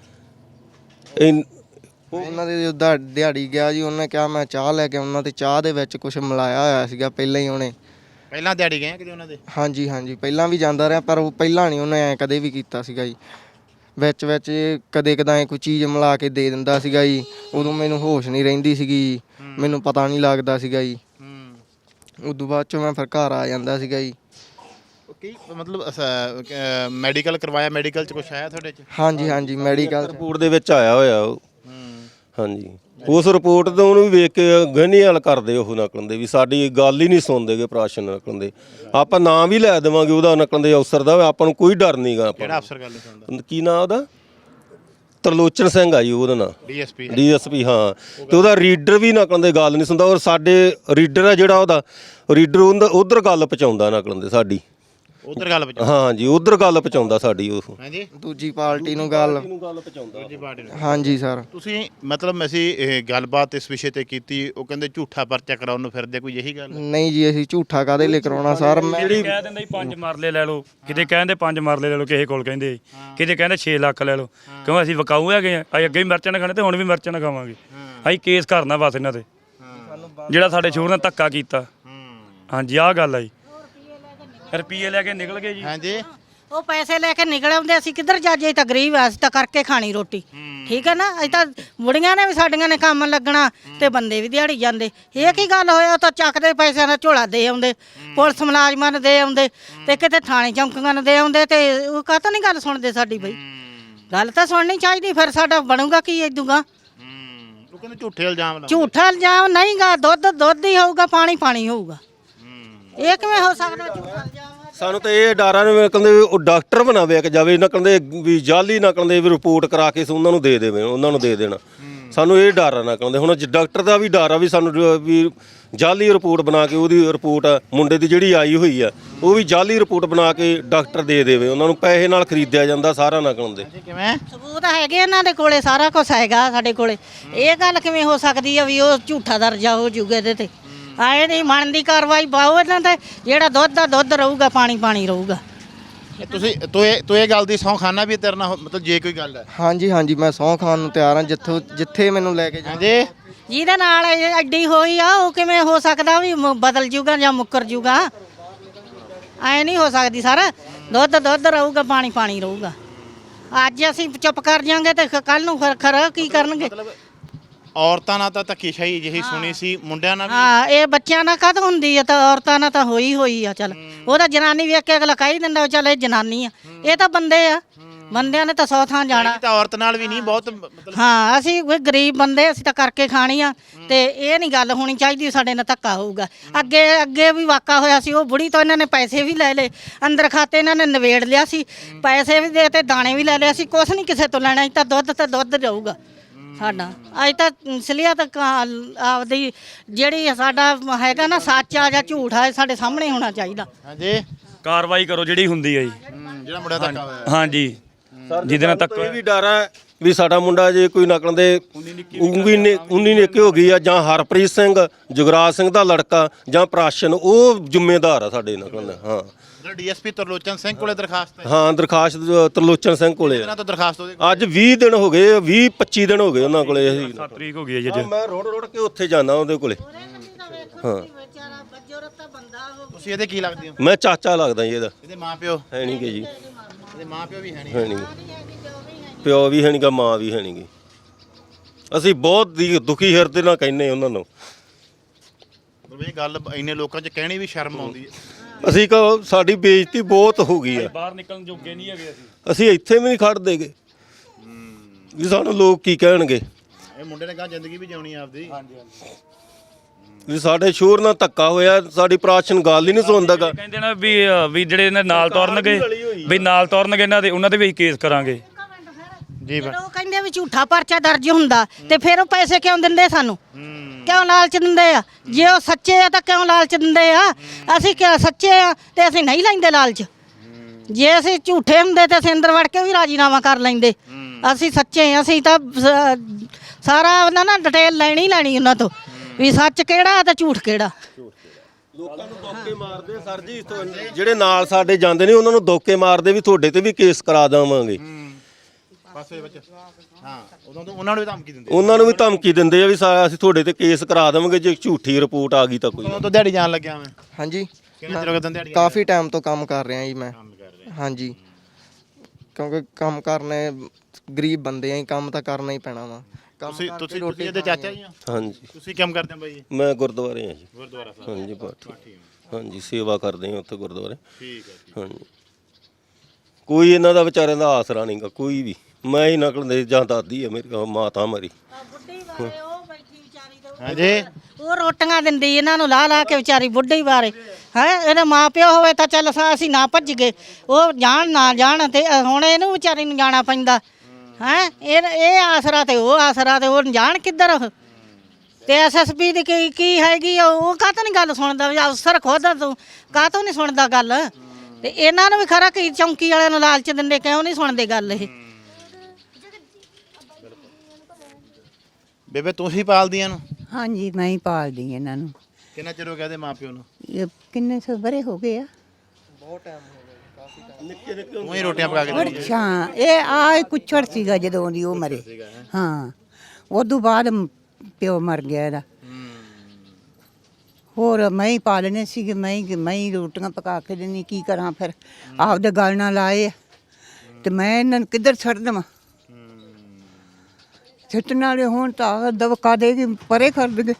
A: ਉਹਨਾਂ ਦੇ ਜਦੋਂ ਦਿਹਾੜੀ ਗਿਆ ਜੀ, ਉਹਨੇ ਕਿਹਾ ਮੈਂ ਚਾਹ ਲੈ ਕੇ ਆਉਣਾ, ਤੇ ਚਾਹ ਦੇ ਵਿੱਚ ਕੁਝ ਮਿਲਾਇਆ ਹੋਇਆ ਸੀਗਾ ਪਹਿਲਾਂ ਹੀ ਉਹਨੇ।
B: ਪਹਿਲਾਂ ਦਿਹਾੜੀ ਗਏ ਕਿਤੇ ਉਹਨਾਂ ਦੇ?
A: ਹਾਂਜੀ ਪਹਿਲਾਂ ਵੀ ਜਾਂਦਾ ਰਿਹਾ, ਪਰ ਉਹ ਪਹਿਲਾਂ ਨਹੀਂ ਉਹਨੇ ਐਂ ਕਦੇ ਵੀ ਕੀਤਾ ਸੀਗਾ ਜੀ। ਵਿੱਚ ਕਦੇ ਕਦਾਂ ਕੋਈ ਚੀਜ਼ ਮਿਲਾ ਕੇ ਦੇ ਦਿੰਦਾ ਸੀਗਾ ਜੀ। ਉਦੋਂ ਮੈਨੂੰ ਹੋਸ਼ ਨਹੀਂ ਰਹਿੰਦੀ ਸੀਗੀ, ਮੈਨੂੰ ਪਤਾ ਨਹੀਂ ਲੱਗਦਾ ਸੀਗਾ ਜੀ। ਉਦੋਂ ਬਾਅਦ 'ਚੋਂ ਮੈਂ ਫਿਰ ਘਰ ਆ ਜਾਂਦਾ ਸੀਗਾ ਜੀ।
B: ਕੀ ਮਤਲਬ ਮੈਡੀਕਲ ਕਰਵਾਇਆ? ਮੈਡੀਕਲ 'ਚ ਕੁਛ ਆਇਆ ਤੁਹਾਡੇ 'ਚ?
A: ਹਾਂਜੀ ਮੈਡੀਕਲ
C: ਰਿਪੋਰਟ ਦੇ ਵਿੱਚ ਆਇਆ ਹੋਇਆ ਉਹ। ਹਾਂਜੀ। ਉਸ ਰਿਪੋਰਟ ਤੋਂ ਉਹਨੂੰ ਵੀ ਵੇਖ ਕੇ ਗਹਿਣੀ ਹਲ ਕਰਦੇ ਉਹ ਨਕਲ ਦੇ ਵੀ ਸਾਡੀ ਗੱਲ ਹੀ ਨਹੀਂ ਸੁਣਦੇਗੇ ਪ੍ਰਾਸ਼ਨ ਨਕਲ ਦੇ। ਆਪਾਂ ਨਾਂ ਵੀ ਲੈ ਦੇਵਾਂਗੇ ਉਹਦਾ ਨਕਲ ਦੇ ਅਫਸਰ ਦਾ, ਆਪਾਂ ਨੂੰ ਕੋਈ ਡਰ ਨਹੀਂਗਾ।
B: ਕਿਹੜਾ ਅਫਸਰ ਗੱਲ ਨਹੀਂ ਸੁਣਦਾ?
C: ਕੀ ਨਾਂ ਉਹਦਾ? ਤਰਲੋਚਨ ਸਿੰਘ ਆ ਜੀ ਉਹਦਾ ਨਾਂ। DSP ਹਾਂ। ਤੇ ਉਹਦਾ ਰੀਡਰ ਵੀ ਨਕਲ ਦੇ ਗੱਲ ਨਹੀਂ ਸੁਣਦਾ। ਔਰ ਸਾਡੇ ਰੀਡਰ ਆ ਜਿਹੜਾ ਉਹਦਾ ਰੀਡਰ ਉਧਰ ਗੱਲ ਪਹੁੰਚਾਉਂਦਾ ਨਕਲ ਦੇ ਸਾਡੀ।
B: ਉਧਰ ਗੱਲ ਪਹੁੰਚਾਉਂਦਾ।
C: ਹਾਂ ਜੀ ਉਧਰ ਗੱਲ ਪਹੁੰਚਾਉਂਦਾ ਸਾਡੀ ਉਹ।
B: ਹਾਂਜੀ
A: ਦੂਜੀ ਪਾਰਟੀ ਨੂੰ ਗੱਲ
B: ਦੂਜੀ ਪਾਰਟੀ ਨੂੰ।
A: ਹਾਂਜੀ ਸਰ।
B: ਤੁਸੀਂ ਮਤਲਬ ਅਸੀਂ ਇਹ ਗੱਲਬਾਤ ਇਸ ਵਿਸ਼ੇ ਤੇ ਕੀਤੀ, ਉਹ ਕਹਿੰਦੇ ਝੂਠਾ ਪਰਚਾ ਕਰਾਉਣ ਨੂੰ ਫਿਰਦੇ, ਕੋਈ ਇਹੀ ਗੱਲ?
A: ਨਹੀਂ ਜੀ ਅਸੀਂ ਝੂਠਾ ਕਾਹਦੇ ਲਈ ਕਰਾਉਣਾ ਸਰ। ਮੈਂ
D: ਕਿਤੇ ਕਹਿ ਦਿੰਦਾ ਜੀ 5 ਮਰਲੇ ਲੈ ਲਓ, ਕਿਤੇ ਕਹਿੰਦੇ 5 ਮਰਲੇ ਲੈ ਲਓ ਕਿਸੇ ਕੋਲ ਕਹਿੰਦੇ, ਕਿਤੇ ਕਹਿੰਦੇ 6 ਲੱਖ ਲੈ ਲਓ, ਕਿਉਂ ਅਸੀਂ ਵਿਕਾਊ ਹੈਗੇ ਆ, ਅਸੀਂ ਅੱਗੇ ਵੀ ਮਿਰਚਾਂ ਨਾ ਖਾਣੇ ਤੇ ਹੁਣ ਵੀ ਮਿਰਚਾਂ ਨਾ ਖਾਵਾਂਗੇ। ਅਸੀਂ ਕੇਸ ਕਰਨਾ ਬਸ ਇਹਨਾਂ ਤੇ, ਜਿਹੜਾ ਸਾਡੇ ਸ਼ੋਰ ਨੇ ਧੱਕਾ ਕੀਤਾ। ਹਾਂਜੀ ਆਹ ਗੱਲ ਆ ਜੀ, ਰੁਪਈਏ ਲੈ ਕੇ ਨਿਕਲ ਗਏ ਜੀ।
B: ਹਾਂਜੀ
E: ਉਹ ਪੈਸੇ ਲੈ ਕੇ ਨਿਕਲ ਆਉਂਦੇ, ਅਸੀਂ ਕਿੱਧਰ ਜਾਜੇ, ਤਾਂ ਗਰੀਬ ਆ, ਅਸੀਂ ਤਾਂ ਕਰਕੇ ਖਾਣੀ ਰੋਟੀ, ਠੀਕ ਹੈ ਨਾ। ਅਸੀਂ ਤਾਂ ਬੁੜੀਆਂ ਨੇ ਵੀ ਸਾਡੀਆਂ ਨੇ ਕੰਮ ਲੱਗਣਾ ਤੇ ਬੰਦੇ ਵੀ ਦਿਹਾੜੀ ਜਾਂਦੇ। ਇਹ ਕੀ ਗੱਲ ਹੋਇਆ, ਉਹ ਤਾਂ ਚੱਕਦੇ ਪੈਸਿਆਂ ਦਾ ਝੋਲਾ ਦੇ ਆਉਂਦੇ, ਪੁਲਿਸ ਮੁਲਾਜ਼ਮਾਂ ਨੂੰ ਦੇ ਆਉਂਦੇ ਤੇ ਕਿਤੇ ਥਾਣੇ ਚੌਂਕੀਆਂ ਨੂੰ ਦੇ ਆਉਂਦੇ, ਤੇ ਉਹ ਕਾਹਤੋਂ ਨਹੀਂ ਗੱਲ ਸੁਣਦੇ ਸਾਡੀ ਬਈ। ਗੱਲ ਤਾਂ ਸੁਣਨੀ ਚਾਹੀਦੀ, ਫਿਰ ਸਾਡਾ ਬਣੂਗਾ ਕੀ ਇਦੂਗਾ।
B: ਉਹ ਕਹਿੰਦੇ ਝੂਠੇ ਇਲਜ਼ਾਮ ਲਾਉਂਦੇ।
E: ਝੂਠਾ ਇਲਜ਼ਾਮ ਨਹੀਂਗਾ, ਦੁੱਧ ਹੀ ਹੋਊਗਾ, ਪਾਣੀ ਹੋਊਗਾ। ਇਹ ਕਿਵੇਂ ਹੋ ਸਕਦਾ ਝੂਠਾ ਇਲਜ਼ਾਮ?
C: ਸਾਨੂੰ ਤਾਂ ਇਹ ਡਾਰਾ ਨੇ ਕਹਿੰਦੇ ਉਹ ਡਾਕਟਰ ਬਣਾ ਵੇਖ ਜਾਵੇ, ਨਾ ਕਹਿੰਦੇ ਵੀ ਜਾਲੀ ਨਾ ਕਹਿੰਦੇ ਵੀ ਰਿਪੋਰਟ ਕਰਾ ਕੇ ਉਹਨਾਂ ਨੂੰ ਦੇ ਦੇਵੇ, ਉਹਨਾਂ ਨੂੰ ਦੇ ਦੇਣਾ। ਸਾਨੂੰ ਇਹ ਡਰ ਨਾ ਕਹਿੰਦੇ। ਹੁਣ ਡਾਕਟਰ ਦਾ ਵੀ ਡਰ ਆ ਵੀ ਸਾਨੂੰ ਵੀ ਜਾਲੀ ਰਿਪੋਰਟ ਬਣਾ ਕੇ, ਉਹਦੀ ਰਿਪੋਰਟ ਮੁੰਡੇ ਦੀ ਜਿਹੜੀ ਆਈ ਹੋਈ ਆ ਉਹ ਵੀ ਜਾਲੀ ਰਿਪੋਰਟ ਬਣਾ ਕੇ ਡਾਕਟਰ ਦੇ ਦੇਵੇ, ਉਹਨਾਂ ਨੂੰ ਪੈਸੇ ਨਾਲ ਖਰੀਦਿਆ ਜਾਂਦਾ ਸਾਰਾ ਨਾ ਕਹਿੰਦੇ।
B: ਕਿਵੇਂ
E: ਸਬੂਤ ਹੈਗੇ ਇਹਨਾਂ ਦੇ ਕੋਲੇ, ਸਾਰਾ ਕੁਝ ਹੈਗਾ ਸਾਡੇ ਕੋਲੇ। ਇਹ ਗੱਲ ਕਿਵੇਂ ਹੋ ਸਕਦੀ ਆ ਵੀ ਉਹ ਝੂਠਾ ਦਰਜਾ ਹੋ ਜੂਗਾ ਇਹਦੇ ਤੇ? ਆਏ ਨਹੀਂ ਬਣਦੀ ਕਾਰਵਾਈ ਪਾਓ ਇਹਨਾਂ ਤੇ, ਜਿਹੜਾ ਦੁੱਧ ਦਾ ਦੁੱਧ ਰਹੂਗਾ, ਪਾਣੀ ਰਹੂਗਾ।
B: ਤੁਸੀਂ ਤੂੰ ਇਹ ਗੱਲ ਦੀ ਸਹੁੰ ਖਾਨਾ ਵੀ ਤੇਰੇ ਨਾਲ ਮਤਲਬ ਜੇ ਕੋਈ ਗੱਲ ਹੈ?
A: ਹਾਂਜੀ ਮੈਂ ਸਹੁੰ ਖਾਣ ਨੂੰ ਤਿਆਰ ਹਾਂ, ਜਿੱਥੇ ਮੈਨੂੰ ਲੈ ਕੇ
B: ਹਾਂਜੀ
E: ਜਿਹਦੇ ਨਾਲ ਐਡੀ ਹੋਈ ਆ, ਉਹ ਕਿਵੇਂ ਹੋ ਸਕਦਾ ਵੀ ਬਦਲ ਜੂਗਾ ਜਾਂ ਮੁੱਕਰ ਜੂਗਾ? ਐ ਨਹੀਂ ਹੋ ਸਕਦੀ ਸਰ। ਦੁੱਧ ਰਹੂਗਾ, ਪਾਣੀ ਰਹੂਗਾ। ਅੱਜ ਅਸੀਂ ਚੁੱਪ ਕਰ ਜਾਾਂਗੇ ਤੇ ਕੱਲ ਨੂੰ ਖਰ ਕੀ ਕਰਨਗੇ?
B: ਔਰਤਾਂ ਨਾਲ ਤਾਂ ਧੱਕੇਸ਼ਾਹੀ ਜਿਹੀ ਸੁਣੀ ਸੀ, ਮੁੰਡਿਆਂ ਨਾਲ ਵੀ?
E: ਹਾਂ, ਇਹ ਬੱਚਿਆਂ ਨਾਲ ਕਦ ਹੁੰਦੀ ਆ, ਤਾਂ ਔਰਤਾਂ ਨਾਲ ਤਾਂ ਹੋਈ ਆ। ਚੱਲ ਉਹ ਤਾਂ ਜਨਾਨੀ ਵੇਖ ਕੇ ਅਗਲਾ ਕਹਿ ਹੀ ਦਿੰਦਾ ਚੱਲ ਇਹ ਜਨਾਨੀ ਆ, ਇਹ ਤਾਂ ਬੰਦੇ ਆ। ਬੰਦਿਆਂ ਨੇ ਤਾਂ 100 ਥਾਂ ਜਾਣਾ।
B: ਤਾਂ ਔਰਤ ਨਾਲ ਵੀ ਨਹੀਂ ਬਹੁਤ ਮਤਲਬ।
E: ਹਾਂ, ਅਸੀਂ ਕੋਈ ਗਰੀਬ ਬੰਦੇ, ਅਸੀਂ ਤਾਂ ਕਰਕੇ ਖਾਣੀ ਆ, ਤੇ ਇਹ ਨਹੀਂ ਗੱਲ ਹੋਣੀ ਚਾਹੀਦੀ ਸਾਡੇ ਨਾਲ ਧੱਕਾ ਹੋਊਗਾ। ਅੱਗੇ ਵੀ ਵਾਕਾ ਹੋਇਆ ਸੀ, ਉਹ ਬੁੜੀ ਤੋਂ ਇਹਨਾਂ ਨੇ ਪੈਸੇ ਵੀ ਲੈ ਲਏ, ਅੰਦਰ ਖਾਤੇ ਇਹਨਾਂ ਨੇ ਨਵੇੜ ਲਿਆ ਸੀ, ਪੈਸੇ ਵੀ ਦੇ ਤੇ ਦਾਣੇ ਵੀ ਲੈ ਲਿਆ ਸੀ। ਕੁਛ ਨਹੀਂ ਕਿਸੇ ਤੋਂ ਲੈਣਾ, ਤਾਂ ਦੁੱਧ ਰਹੂਗਾ ਸਾਡਾ। ਅੱਜ ਤਾਂ ਅਸਲੀਅਤ ਆਪਦੀ ਜਿਹੜੀ ਸਾਡਾ ਹੈਗਾ ਨਾ, ਸੱਚ ਆ ਜਾਂ ਝੂਠ ਆ, ਸਾਡੇ ਸਾਹਮਣੇ ਹੋਣਾ ਚਾਹੀਦਾ।
B: ਹਾਂਜੀ
D: ਕਾਰਵਾਈ ਕਰੋ ਜਿਹੜੀ ਹੁੰਦੀ ਆ ਜੀ।
B: ਜਿਹੜਾ ਮੁੰਡਾ ਧੱਕਾ ਹੋਇਆ।
D: ਹਾਂਜੀ ਜਿਹਦੇ ਨਾਲ ਧੱਕਾ
C: ਇਹ ਵੀ ਡਰ ਹੈ ਵੀ ਸਾਡਾ ਮੁੰਡਾ ਜੇ ਕੋਈ ਨਕਲ ਦੇ 19 ਨਿੱਕੇ ਹੋ ਗਈ ਆ, ਜਾਂ ਹਰਪ੍ਰੀਤ ਸਿੰਘ ਜੁਗਰਾਜ ਸਿੰਘ ਦਾ ਲੜਕਾ ਜਾਂ ਪ੍ਰਾਸ਼ਨ, ਉਹ ਜ਼ਿੰਮੇਦਾਰ ਆ ਸਾਡੇ ਨਕਲ ਦਾ। ਹਾਂ
B: ਡੀਐਸਪੀ ਤਰਲੋਚਨ ਸਿੰਘ ਕੋਲੇ ਦਰਖਾਸਤ ਹੈ?
C: ਹਾਂ ਦਰਖਾਸਤ ਤਰਲੋਚਨ ਸਿੰਘ ਕੋਲੇ
B: ਇਹਨਾਂ ਤੋਂ ਦਰਖਾਸਤ ਉਹਦੇ
C: ਅੱਜ 20 ਦਿਨ ਹੋ ਗਏ, 20-25 ਦਿਨ ਹੋ ਗਏ ਉਹਨਾਂ ਕੋਲੇ। ਅਸੀਂ
D: 7 ਤਰੀਕ ਹੋ ਗਈ ਹੈ ਜੀ।
C: ਮੈਂ ਰੋੜ ਕੇ ਉੱਥੇ ਜਾਣਾ ਉਹਦੇ ਕੋਲੇ। ਹਾਂ
B: ਤੁਸੀਂ ਇਹਦੇ ਕੀ ਲੱਗਦੇ ਹੋ?
C: ਮੈਂ ਚਾਚਾ ਲੱਗਦਾ ਜੀ ਇਹਦਾ।
B: ਇਹਦੇ ਮਾਪਿਓ
C: ਹੈ ਨਹੀਂ ਗੇ ਜੀ,
B: ਇਹਦੇ ਮਾਪਿਓ ਵੀ ਹੈ ਨਹੀਂ?
C: ਹੈ ਨਹੀਂ, ਪਿਓ ਵੀ ਹੈ ਨਹੀਂ ਗਾ, ਮਾਂ ਵੀ ਹੈ ਨਹੀਂ ਗੀ। ਅਸੀਂ ਬਹੁਤ ਦੁਖੀ ਹਿਰਦੇ ਨਾਲ ਕਹਿੰਦੇ ਉਹਨਾਂ ਨੂੰ।
B: ਇਹ ਗੱਲ ਇੰਨੇ ਲੋਕਾਂ 'ਚ ਕਹਿਣੀ ਵੀ ਸ਼ਰਮ ਆਉਂਦੀ ਹੈ।
C: ਅਸੀਂ ਕਹੋ ਸਾਡੀ ਬੇਇੱਜ਼ਤੀ ਬਹੁਤ ਹੋ ਗਈ ਆ,
D: ਬਾਹਰ ਨਿਕਲਣ ਜੋਗੇ ਨਹੀਂ ਹੈਗੇ
C: ਅਸੀਂ ਇੱਥੇ ਵੀ ਨਹੀਂ ਖੜਦੇਗੇ ਵੀ ਸਾਨੂੰ ਲੋਕ ਕੀ ਕਹਿਣਗੇ।
B: ਇਹ ਮੁੰਡੇ ਨੇ ਕਹਾ ਜ਼ਿੰਦਗੀ ਵੀ ਜਿਉਣੀ ਆਪਦੀ।
C: ਵੀ ਸਾਡੇ ਸ਼ੋਰ ਨਾਲ ਧੱਕਾ ਹੋਇਆ, ਸਾਡੀ ਪ੍ਰਾਸ਼ਨ ਗੱਲ ਹੀ ਨਹੀਂ ਸੁਣਦਾਗਾ।
D: ਕਹਿੰਦੇ ਨਾ ਵੀ ਜਿਹੜੇ ਇਹਨਾਂ ਨਾਲ ਤੁਰਨਗੇ, ਵੀ ਨਾਲ ਤੁਰਨਗੇ ਇਹਨਾਂ ਦੇ, ਉਹਨਾਂ ਦੇ ਵੀ ਕੇਸ ਕਰਾਂਗੇ
B: ਜੀ।
E: ਉਹ ਕਹਿੰਦੇ ਵੀ ਝੂਠਾ ਪਰਚਾ ਦਰਜ ਹੁੰਦਾ, ਤੇ ਫਿਰ ਉਹ ਪੈਸੇ ਕਿਉਂ ਦਿੰਦੇ ਸਾਨੂੰ? ਕਿਉਂ ਲਾਲਚ ਦਿੰਦੇ ਆ? ਜੇ ਉਹ ਸੱਚੇ ਆ ਤਾਂ ਕਿਉਂ ਲਾਲਚ ਦਿੰਦੇ ਆ? ਅਸੀਂ ਸੱਚੇ ਆ ਤੇ ਅਸੀਂ ਨਹੀਂ ਲੈਂਦੇ ਲਾਲਚ। ਜੇ ਅਸੀਂ ਝੂਠੇ ਹੁੰਦੇ ਤੇ ਅਸੀਂ ਅੰਦਰ ਵੜ ਕੇ ਵੀ ਰਾਜੀਨਾਮਾ ਕਰ ਲੈਂਦੇ। ਅਸੀਂ ਸੱਚੇ ਆ, ਅਸੀਂ ਤਾਂ ਸਾਰਾ ਉਹਨਾਂ ਨਾਲ ਡਿਟੇਲ ਲੈਣੀ ਉਹਨਾਂ ਤੋਂ, ਵੀ ਸੱਚ ਕਿਹੜਾ ਤੇ ਝੂਠ ਕਿਹੜਾ।
C: ਲੋਕਾਂ ਨੂੰ ਧੋਕੇ ਮਾਰਦੇ ਸਰ ਜੀ, ਜਿਹੜੇ ਨਾਲ ਸਾਡੇ ਜਾਂਦੇ ਨੇ ਉਹਨਾਂ ਨੂੰ ਧੋਕੇ ਮਾਰਦੇ ਵੀ ਤੁਹਾਡੇ ਤੇ ਵੀ ਕੇਸ ਕਰਾ ਦੇਵਾਂਗੇ।
B: ਪਾਸੇ ਵਿੱਚ ਹਾਂ, ਉਦੋਂ ਤੋਂ ਉਹਨਾਂ ਨੂੰ ਵੀ ਧਮਕੀ ਦਿੰਦੇ।
C: ਉਹਨਾਂ ਨੂੰ ਵੀ ਧਮਕੀ ਦਿੰਦੇ ਆ ਵੀ ਅਸੀਂ ਤੁਹਾਡੇ ਤੇ ਕੇਸ ਕਰਾ ਦੇਵਾਂਗੇ ਜੇ ਝੂਠੀ ਰਿਪੋਰਟ ਆ ਗਈ ਤਾਂ ਕੋਈ।
B: ਉਦੋਂ ਤੋਂ ਦਿਹਾੜੀ ਜਾਣ ਲੱਗਿਆ ਮੈਂ।
A: ਹਾਂਜੀ
B: ਕਿੰਨੇ ਚਿਰ ਹੋ ਗਿਆ ਦਿਹਾੜੀ?
A: ਕਾਫੀ ਟਾਈਮ ਤੋਂ ਕੰਮ ਕਰ ਰਿਹਾ ਜੀ ਮੈਂ। ਹਾਂਜੀ, ਕਿਉਂਕਿ ਕੰਮ ਕਰਨੇ, ਗਰੀਬ ਬੰਦੇ ਆਂ, ਕੰਮ ਤਾਂ ਕਰਨਾ ਹੀ ਪੈਣਾ ਵਾ।
B: ਤੁਸੀਂ ਇਹਦੇ ਚਾਚਾ ਜੀ ਹੋ?
C: ਹਾਂਜੀ।
B: ਤੁਸੀਂ ਕੰਮ ਕਰਦੇ ਹੋ ਬਾਈ ਜੀ?
C: ਮੈਂ ਗੁਰਦੁਆਰੇ ਆ ਜੀ।
B: ਗੁਰਦੁਆਰਾ ਸਾਹਿਬ?
C: ਹਾਂਜੀ ਪਾਠੀ। ਹਾਂਜੀ ਸੇਵਾ ਕਰਦੇ ਆ ਉੱਥੇ ਗੁਰਦੁਆਰੇ।
B: ਠੀਕ ਹੈ ਜੀ।
C: ਹਾਂਜੀ, ਕੋਈ ਇਹਨਾਂ ਦਾ ਵਿਚਾਰਿਆਂ ਦਾ ਆਸਰਾ ਨਹੀਂਗਾ ਕੋਈ ਵੀ। ਮੈਂ ਹੀ ਨਕਲ ਦੇ ਜਾਂ ਦਾਦੀ ਆ ਮੇਰੀ, ਮਾਤਾ ਮੇਰੀ।
B: ਹਾਂਜੀ,
E: ਉਹ ਰੋਟੀਆਂ ਦਿੰਦੀ ਇਹਨਾਂ ਨੂੰ ਲਾ ਕੇ ਵਿਚਾਰੀ ਬੁੱਢੀ ਬਾਰੇ। ਹੈ ਇਹਦੇ ਮਾਪਿਓ ਹੋਵੇ ਤਾਂ ਚੱਲ ਅਸੀਂ ਨਾ ਭੱਜ ਗਏ, ਉਹ ਜਾਣ ਨਾ ਜਾਣ, ਤੇ ਹੁਣ ਇਹਨੂੰ ਵਿਚਾਰੀ ਨੂੰ ਜਾਣਾ ਪੈਂਦਾ। ਹੈ ਇਹ ਆਸਰਾ ਤੇ ਉਹ ਆਸਰਾ, ਤੇ ਉਹ ਜਾਣ ਕਿੱਧਰ ਉਹ? ਤੇ ਐਸਐਸਪੀ ਦੀ ਕੀ ਹੈਗੀ, ਉਹ ਕਾਹਤੋਂ ਨਹੀਂ ਗੱਲ ਸੁਣਦਾ? ਅਫਸਰ ਖੁਦ ਤੂੰ ਕਾਹਤੋਂ ਨਹੀਂ ਸੁਣਦਾ ਗੱਲ? ਤੇ ਇਹਨਾਂ ਨੂੰ ਵੀ ਖਰਾ ਕੀ ਚੌਂਕੀ ਵਾਲਿਆਂ ਨੂੰ ਲਾਲਚ ਦਿੰਦੇ, ਕਿਉਂ ਨਹੀਂ ਸੁਣਦੇ ਗੱਲ ਇਹ।
B: ਬੇਬੇ ਤੁਸੀਂ ਪਾਲਦੀਆਂ ਨੂੰ
F: ਹਾਂਜੀ ਮੈਂ ਹੀ ਪਾਲਦੀ ਇਹਨਾਂ ਨੂੰ।
B: ਕਿੰਨਾ ਚਿਰ ਹੋ ਗਿਆ ਇਹਦੇ ਮਾਪਿਓ ਨੂੰ?
F: ਇਹ ਕਿੰਨੇ ਸੌ ਬਰੇ ਹੋ ਗਏ ਆ।
B: ਤੂੰ ਹੀ ਰੋਟੀਆਂ ਪਕਾ ਕੇ ਦਿੰਦੀ ਹੈ?
F: ਅੱਛਾ ਇਹ ਆ ਕੁੱਛੜ ਸੀਗਾ ਜਦੋਂ ਦੀ ਉਹ ਮਰੇ। ਹਾਂ ਉਦੋਂ ਬਾਅਦ ਪਿਓ ਮਰ ਗਿਆ ਇਹਦਾ। ਹੋਰ ਮੈਂ ਹੀ ਪਾਲਣੇ ਸੀਗੇ, ਮੈਂ ਹੀ ਰੋਟੀਆਂ ਪਕਾ ਕੇ ਦੇਣੀ। ਕੀ ਕਰਾਂ ਫਿਰ, ਆਪਦੇ ਗਲ ਨਾਲ ਲਾਏ ਤੇ ਮੈਂ ਇਹਨਾਂ ਨੂੰ ਕਿੱਧਰ ਛੱਡ ਦੇਵਾਂ। ਛੱਟਣ ਵਾਲੇ ਹੋਣ ਤਾਂ ਦਵਕਾ ਦੇ ਕੇ ਪਰੇ ਕਰ ਦੇਗੇ।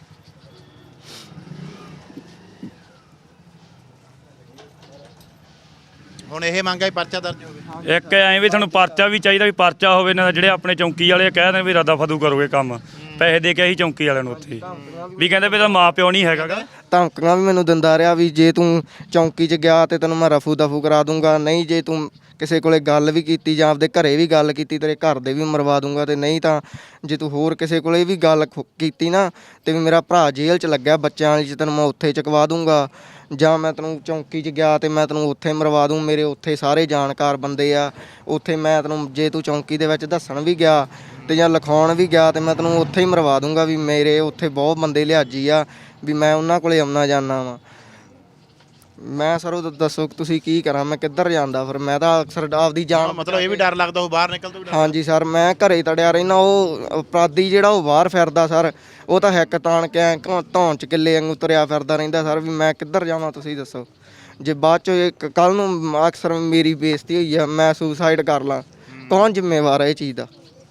B: ਹੁਣ ਇਹ ਮੰਗਾ ਹੀ ਪਰਚਾ ਦਰਜ ਹੋਵੇ।
D: ਇੱਕ ਐਂ ਵੀ ਤੁਹਾਨੂੰ ਪਰਚਾ ਵੀ ਚਾਹੀਦਾ, ਵੀ ਪਰਚਾ ਹੋਵੇ ਨਾ, ਜਿਹੜੇ ਆਪਣੇ ਚੌਂਕੀ ਵਾਲੇ ਕਹਿ ਦੇਣ ਵੀ ਰਦਾ ਫਦੂ ਕਰੋਗੇ ਕੰਮ, ਪੈਸੇ ਦੇ ਕੇ ਅਸੀਂ ਚੌਂਕੀ ਵਾਲਿਆਂ ਨੂੰ ਉੱਥੇ ਵੀ ਕਹਿੰਦੇ ਵੀ ਇਹਦਾ ਮਾਂ ਪਿਓ ਨਹੀਂ ਹੈਗਾ ਗਾ।
A: ਧਮਕੀਆਂ ਵੀ ਮੈਨੂੰ ਦਿੰਦਾ ਰਿਹਾ ਵੀ ਜੇ ਤੂੰ ਚੌਂਕੀ 'ਚ ਗਿਆ ਤੇ ਤੈਨੂੰ ਮੈਂ ਰਫੂ ਦਫੂ ਕਰਾ ਦੂੰਗਾ, ਨਹੀਂ ਜੇ ਤੂੰ ਕਿਸੇ ਕੋਲੇ ਗੱਲ ਵੀ ਕੀਤੀ ਜਾਂ ਆਪਦੇ ਘਰੇ ਵੀ ਗੱਲ ਕੀਤੀ ਤੇਰੇ ਘਰ ਦੇ ਵੀ ਮਰਵਾ ਦੂੰਗਾ, ਤੇ ਨਹੀਂ ਤਾਂ ਜੇ ਤੂੰ ਹੋਰ ਕਿਸੇ ਕੋਲੇ ਵੀ ਗੱਲ ਕੀਤੀ ਨਾ ਤੇ ਵੀ ਮੇਰਾ ਭਰਾ ਜੇਲ੍ਹ 'ਚ ਲੱਗਿਆ ਬੱਚਿਆਂ ਵਾਲੀ 'ਚ, ਤੈਨੂੰ ਮੈਂ ਉੱਥੇ ਚੁਕਵਾ ਦੂੰਗਾ, ਜਾਂ ਮੈਂ ਤੈਨੂੰ ਚੌਂਕੀ 'ਚ ਗਿਆ ਤੇ ਮੈਂ ਤੈਨੂੰ ਉੱਥੇ ਮਰਵਾ ਦੂੰ। ਮੇਰੇ ਉੱਥੇ ਸਾਰੇ ਜਾਣਕਾਰ ਬੰਦੇ ਆ, ਉੱਥੇ ਮੈਂ ਤੈਨੂੰ ਜੇ ਤੂੰ ਚੌਂਕੀ ਦੇ ਵਿੱਚ ਦੱਸਣ ਵੀ ਗਿਆ ਤੇ ਜਾਂ ਲਿਖਾਉਣ ਵੀ ਗਿਆ ਤੇ ਮੈਂ ਤੈਨੂੰ ਉੱਥੇ ਹੀ ਮਰਵਾ ਦੂੰਗਾ, ਵੀ ਮੇਰੇ ਉੱਥੇ ਬਹੁਤ ਬੰਦੇ ਲਿਹਾਜੀ ਆ, ਵੀ ਮੈਂ ਉਹਨਾਂ ਕੋਲੇ ਆਉਣਾ ਜਾਂਦਾ ਵਾਂ। ਮੈਂ ਸਰ ਉਹ ਦੱਸੋ ਤੁਸੀਂ ਕੀ ਕਰਾਂ, ਮੈਂ ਕਿੱਧਰ ਜਾਂਦਾ ਫਿਰ? ਮੈਂ ਤਾਂ ਅਕਸਰ ਆਪਦੀ ਜਾਨ
B: ਮਤਲਬ ਇਹ ਵੀ ਡਰ ਲੱਗਦਾ ਉਹ ਬਾਹਰ ਨਿਕਲ ਤੋਂ ਵੀ ਡਰ?
A: ਹਾਂਜੀ ਸਰ, ਮੈਂ ਘਰੇ ਤੜਿਆ ਰਹਿਣਾ। ਉਹ ਅਪਰਾਧੀ ਜਿਹੜਾ ਉਹ ਬਾਹਰ ਫਿਰਦਾ ਸਰ, ਉਹ ਤਾਂ ਹਿੱਕ ਤਾਣ ਕੇ ਐਂ ਧੌਣ 'ਚ ਕਿੱਲੇ ਵਾਂਗੂ ਤੁਰਿਆ ਫਿਰਦਾ ਰਹਿੰਦਾ ਸਰ, ਵੀ ਮੈਂ ਕਿੱਧਰ ਜਾਵਾਂ ਤੁਸੀਂ ਦੱਸੋ? ਜੇ ਬਾਅਦ 'ਚੋਂ ਕੱਲ੍ਹ ਨੂੰ ਅਕਸਰ ਮੇਰੀ ਬੇਇੱਜ਼ਤੀ ਹੋਈ ਆ, ਮੈਂ ਸੁਸਾਈਡ ਕਰ ਲਾਂ, ਕੌਣ ਜ਼ਿੰਮੇਵਾਰ ਹੈ ਇਹ ਚੀਜ਼ ਦਾ?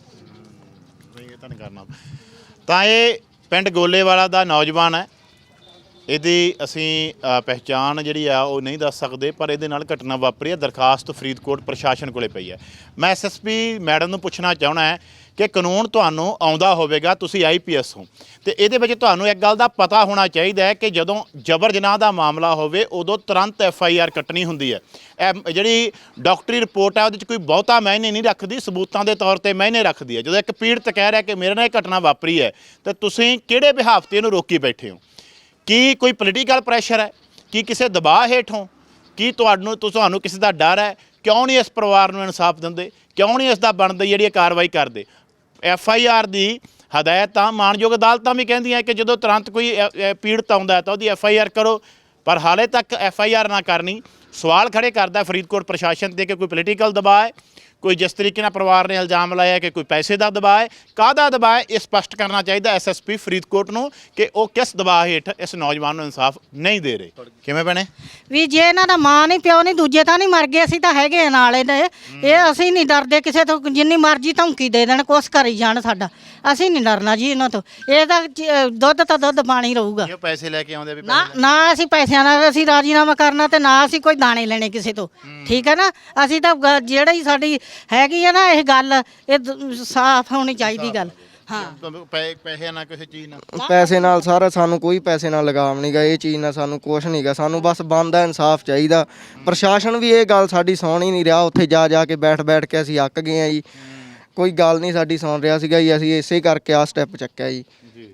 B: ਨਹੀਂ ਇਹ ਤਾਂ ਨਹੀਂ ਕਰਨਾ। ਤਾਂ ਇਹ ਪਿੰਡ ਗੋਲੇਵਾਲਾ ਦਾ ਨੌਜਵਾਨ ਹੈ। ਇਹਦੀ ਅਸੀਂ ਪਹਿਚਾਣ ਜਿਹੜੀ ਆ ਉਹ ਨਹੀਂ ਦੱਸ ਸਕਦੇ, ਪਰ ਇਹਦੇ ਨਾਲ ਘਟਨਾ ਵਾਪਰੀ ਹੈ। ਦਰਖਾਸਤ ਫਰੀਦਕੋਟ ਪ੍ਰਸ਼ਾਸਨ ਕੋਲੇ ਪਈ ਹੈ। ਮੈਂ ਐਸਐਸਪੀ ਮੈਡਮ ਨੂੰ ਪੁੱਛਣਾ ਚਾਹਣਾ ਹੈ ਕਿ ਕਾਨੂੰਨ ਤੁਹਾਨੂੰ ਆਉਂਦਾ ਹੋਵੇਗਾ, ਤੁਸੀਂ ਆਈਪੀਐਸ ਹੋ, ਤੇ ਇਹਦੇ ਵਿੱਚ ਤੁਹਾਨੂੰ ਇੱਕ ਗੱਲ ਦਾ ਪਤਾ ਹੋਣਾ ਚਾਹੀਦਾ ਹੈ ਕਿ ਜਦੋਂ ਜਬਰ ਜਨਾਹ ਦਾ ਮਾਮਲਾ ਹੋਵੇ ਉਦੋਂ ਤੁਰੰਤ ਐਫਆਈਆਰ ਕੱਟਣੀ ਹੁੰਦੀ ਹੈ। ਇਹ ਜਿਹੜੀ ਡਾਕਟਰੀ ਰਿਪੋਰਟ ਹੈ ਉਹਦੇ 'ਚ ਕੋਈ ਬਹੁਤਾ ਮਾਇਨੇ ਨਹੀਂ ਰੱਖਦੀ, ਸਬੂਤਾਂ ਦੇ ਤੌਰ ਤੇ ਮਾਇਨੇ ਰੱਖਦੀ ਹੈ। ਜਦੋਂ ਇੱਕ ਪੀੜਤ ਕਹਿ ਰਿਹਾ ਕਿ ਮੇਰੇ ਨਾਲ ਇਹ ਘਟਨਾ ਵਾਪਰੀ ਹੈ, ਤਾਂ ਤੁਸੀਂ ਕਿਹੜੇ ਬਿਹਾਫ ਤੇ ਇਹਨੂੰ ਰੋਕੀ ਬੈਠੇ ਹੋ? ਕੀ ਕੋਈ ਪੋਲੀਟੀਕਲ ਪ੍ਰੈਸ਼ਰ ਹੈ? ਕੀ ਕਿਸੇ ਦਬਾਅ ਹੇਠੋਂ? ਕੀ ਤੁਹਾਨੂੰ ਕਿਸੇ ਦਾ ਡਰ ਹੈ? ਕਿਉਂ ਨਹੀਂ ਇਸ ਪਰਿਵਾਰ ਨੂੰ ਇਨਸਾਫ ਦਿੰਦੇ? ਕਿਉਂ ਨਹੀਂ ਇਸ ਦਾ ਬਣਦੀ ਜਿਹੜੀ ਕਾਰਵਾਈ ਕਰਦੇ? ਐਫਆਈਆਰ ਦੀ ਹਦਾਇਤ ਤਾਂ ਮਾਣਯੋਗ ਅਦਾਲਤਾਂ ਵੀ ਕਹਿੰਦੀਆਂ ਕਿ ਜਦੋਂ ਤੁਰੰਤ ਕੋਈ ਪੀੜਤ ਆਉਂਦਾ ਤਾਂ ਉਹਦੀ ਐਫਆਈਆਰ ਕਰੋ, ਪਰ ਹਾਲੇ ਤੱਕ ਐਫਆਈਆਰ ਨਾ ਕਰਨੀ ਸਵਾਲ ਖੜੇ ਕਰਦਾ ਫਰੀਦਕੋਟ ਪ੍ਰਸ਼ਾਸਨ ਤੇ ਕਿ ਕੋਈ ਪੋਲੀਟੀਕਲ ਦਬਾਅ ਹੈ, ਕੋਈ ਜਿਸ ਤਰੀਕੇ ਨਾਲ ਪਰਿਵਾਰ ਨੇ ਇਲਜ਼ਾਮ ਲਾਇਆ ਕਿ ਕੋਈ ਪੈਸੇ ਦਾ ਦਬਾਅ ਹੈ, ਕਾਹਦਾ ਦਬਾਅ ਹੈ, ਇਹ ਸਪਸ਼ਟ ਕਰਨਾ ਚਾਹੀਦਾ ਐਸਐਸਪੀ ਫਰੀਦਕੋਟ ਨੂੰ ਕਿ ਉਹ ਕਿਸ ਦਬਾਅ ਹੇਠ ਇਸ ਨੌਜਵਾਨ ਨੂੰ ਇਨਸਾਫ ਨਹੀਂ ਦੇ ਰਹੇ। ਕਿਵੇਂ ਬਣੇ
E: ਵੀ ਜੇ ਇਹਨਾਂ ਦਾ ਮਾਂ ਨਹੀਂ ਪਿਓ ਨਹੀਂ ਦੂਜੇ ਤਾਂ ਨਹੀਂ ਮਰ ਗਏ, ਅਸੀਂ ਤਾਂ ਹੈਗੇ ਆ ਨਾਲ ਇਹਦੇ। ਇਹ ਅਸੀਂ ਨਹੀਂ ਡਰਦੇ ਕਿਸੇ ਤੋਂ, ਜਿੰਨੀ ਮਰਜ਼ੀ ਧਮਕੀ ਦੇ ਦੇਣ, ਕੁਛ ਕਰੀ ਜਾਣ ਸਾਡਾ, ਅਸੀਂ ਨਹੀਂ ਡਰਨਾ ਜੀ ਇਹਨਾਂ ਤੋਂ। ਇਹ ਤਾਂ ਦੁੱਧ ਤਾਂ ਦੁੱਧ ਪਾਣੀ ਰਹੂਗਾ।
B: ਇਹ ਪੈਸੇ ਲੈ ਕੇ ਆਉਂਦੇ ਵੀ
E: ਨਾ ਅਸੀਂ ਪੈਸਿਆਂ ਨਾਲ ਅਸੀਂ ਰਾਜੀਨਾਮਾ ਕਰਨਾ, ਤੇ ਨਾ ਅਸੀਂ ਕੋਈ ਦਾਣੇ ਲੈਣੇ ਕਿਸੇ ਤੋਂ, ਠੀਕ ਹੈ ਨਾ? ਅਸੀਂ ਤਾਂ ਜਿਹੜੀ ਸਾਡੀ ਹੈਗੀ ਆ ਨਾ ਇਹ ਗੱਲ, ਇਹ ਸਾਫ਼ ਹੋਣੀ ਚਾਹੀਦੀ ਗੱਲ। ਹਾਂ
B: ਪੈਸੇ ਨਾਲ ਕਿਸੇ ਚੀਜ਼ ਨਾਲ
A: ਪੈਸੇ ਨਾਲ ਸਾਰਾ ਸਾਨੂੰ ਕੋਈ ਪੈਸੇ ਨਾਲ ਲਗਾਵ ਨਹੀਂਗਾ, ਇਹ ਚੀਜ਼ ਨਾਲ ਸਾਨੂੰ ਕੁਛ ਨਹੀਂਗਾ, ਸਾਨੂੰ ਬਸ ਬਣਦਾ ਇਨਸਾਫ ਚਾਹੀਦਾ। ਪ੍ਰਸ਼ਾਸਨ ਵੀ ਇਹ ਗੱਲ ਸਾਡੀ ਸੁਣ ਹੀ ਨਹੀਂ ਰਿਹਾ, ਉੱਥੇ ਜਾ ਕੇ ਬੈਠ ਕੇ ਅਸੀਂ ਅੱਕ ਗਏ ਆ ਜੀ, ਕੋਈ ਗੱਲ ਨਹੀਂ ਸਾਡੀ ਸੁਣ ਰਿਹਾ ਸੀਗਾ ਜੀ, ਅਸੀਂ ਇਸੇ ਕਰਕੇ ਆ ਸਟੈਪ ਚੱਕਿਆ ਜੀ।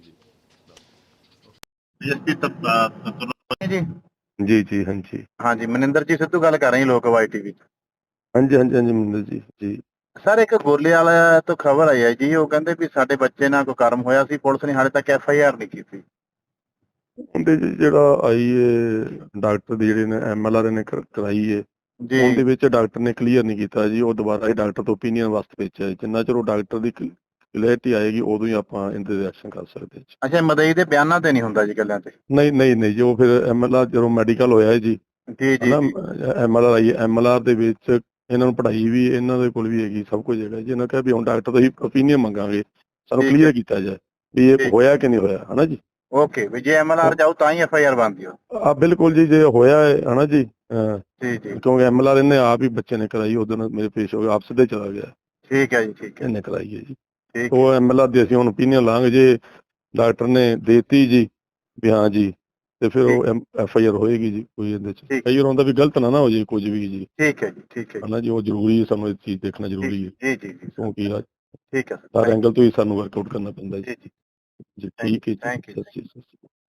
C: ਜੀ ਹਾਂਜੀ
G: ਹਾਂਜੀ ਮਨਿੰਦਰ ਜੀ ਸਿੱਧੂ ਗੱਲ ਕਰ ਰਹੇ ਹਾਂ ਲੋਕਵਾਈ ਟੀਵੀ।
C: ਹਾਂਜੀ ਮਨਿੰਦਰ ਜੀ।
G: ਸਰ ਇੱਕ ਗੋਲੇ ਵਾਲਾ ਤੋਂ ਖਬਰ ਆਈ ਹੈ ਜੀ, ਉਹ ਕਹਿੰਦੇ ਵੀ ਸਾਡੇ ਬੱਚੇ ਨਾਲ ਕੋਈ ਕਰਮ ਹੋਇਆ ਸੀ, ਪੁਲਿਸ ਨੇ ਹਾਲੇ ਤੱਕ ਐਫਆਈਆਰ ਨਹੀਂ ਕੀਤੀ।
C: ਉਹਦੇ ਜਿਹੜਾ ਆਈ ਹੈ ਡਾਕਟਰ ਦੀ ਜਿਹੜੇ ਨੇ ਐਮਐਲਆਰ ਨੇ ਕਰਾਈ ਹੈ, ਉਹਦੇ ਵਿੱਚ ਡਾਕਟਰ ਨੇ ਕਲੀਅਰ ਨਹੀਂ ਕੀਤਾ ਜੀ, ਉਹ ਦੁਬਾਰਾ ਹੀ ਡਾਕਟਰ ਤੋਂ ਓਪੀਨੀਅਨ ਵਾਸਤੇ ਭੇਜਿਆ। ਜਿੰਨਾ ਚਿਰ ਉਹ ਡਾਕਟਰ ਦੀ ਕਲੈਰਿਟੀ ਆਏਗੀ ਉਦੋਂ ਹੀ ਆਪਾਂ ਇਹਦੇ ਤੇ ਐਕਸ਼ਨ ਕਰ ਸਕਦੇ ਹਾਂ।
G: ਅੱਛਾ ਮਦਈ ਦੇ ਬਿਆਨਾਂ ਤੇ ਨਹੀਂ ਹੁੰਦਾ ਜੀ ਗੱਲਾਂ ਤੇ?
C: ਨਹੀਂ ਜੀ, ਉਹ ਫਿਰ ਐਮਐਲਆਰ ਜਦੋਂ ਮੈਡੀਕਲ ਹੋਇਆ ਜੀ ਐਮਐਲਆਰ ਆਈ, ਐਮਐਲਆਰ ਦੇ ਵਿੱਚ ਇਹਨਾਂ ਨੂੰ ਪੜ੍ਹਾਈ ਵੀ ਇਹਨਾਂ ਦੇ ਕੋਲ ਵੀ ਹੈਗੀ, ਸਭ ਕੁਝ ਹੈਗਾ ਜੀ। ਇਹਨਾਂ ਕਿਹਾ ਵੀ ਹੁਣ ਡਾਕਟਰ ਤੋਂ ਹੀ ਓਪੀਨੀਅਨ ਮੰਗਾਂਗੇ, ਸਾਨੂੰ ਕਲੀਅਰ ਕੀਤਾ ਜਾਏ ਵੀ ਇਹ ਹੋਇਆ ਕਿ ਨਹੀਂ ਹੋਇਆ, ਹਨਾ ਜੀ।
G: ਓਕੇ, ਵੀ ਜੇ ਐਮਐਲਆਰ ਜਾਊ ਤਾਂ ਹੀ ਐਫਆਈਆਰ ਬਣਦੀ ਹੋ?
C: ਬਿਲਕੁਲ ਜੀ, ਜੇ ਹੋਇਆ ਹੈ ਹਨਾ ਜੀ,
G: ਜੀ
C: ਕਿਉਂਕਿ ਐਮਐਲਆਰ ਇਹਨੇ ਆਪ ਹੀ ਬੱਚੇ ਨੇ ਕਰਾਈ, ਉਦੋਂ ਮੇਰੇ ਪੇਸ਼ ਹੋ ਗਿਆ, ਆਪ ਸਿੱਧੇ ਚਲਾ ਗਿਆ।
G: ਠੀਕ ਹੈ ਜੀ, ਠੀਕ ਹੈ,
C: ਇਹਨੇ ਕਰਾਈ ਹੈ ਜੀ।
G: ਠੀਕ
C: ਉਹ ਐਮਐਲਆਰ ਦੀ ਅਸੀਂ ਹੁਣ ਓਪੀਨੀਅਨ ਲਾਂਗੇ, ਜੇ ਡਾਕਟਰ ਨੇ ਦੇਤੀ ਜੀ ਵੀ ਹਾਂ ਜੀ, ਤੇ ਫਿਰ ਉਹ ਐਫਆਈਆਰ ਹੋਏਗੀ ਜੀ। ਕੋਈ ਇਹਦੇ ਚ ਕਈ ਵਾਰ ਹੁੰਦਾ ਵੀ ਗਲਤ ਨਾ ਹੋ ਜੇ ਕੁਝ ਵੀ ਜੀ।
G: ਠੀਕ ਹੈ ਜੀ, ਠੀਕ ਹੈ
C: ਹਨਾ ਜੀ, ਉਹ ਜ਼ਰੂਰੀ ਹੈ, ਸਾਨੂੰ ਇਹ ਚੀਜ਼ ਦੇਖਣਾ ਜ਼ਰੂਰੀ ਹੈ
G: ਜੀ
C: ਕਿਉਂਕਿ
G: ਠੀਕ ਹੈ
C: ਹਰ ਐਂਗਲ ਤੋਂ ਹੀ ਸਾਨੂੰ ਵਰਕਆਊਟ ਕਰਨਾ ਪੈਂਦਾ ਜੀ।
G: ਜੀ
C: ਜੀ ਠੀਕ ਹੈ ਜੀ,
G: ਥੈਂਕ ਯੂ।
C: ਸਤਿ ਸ਼੍ਰੀ ਅਕਾਲ।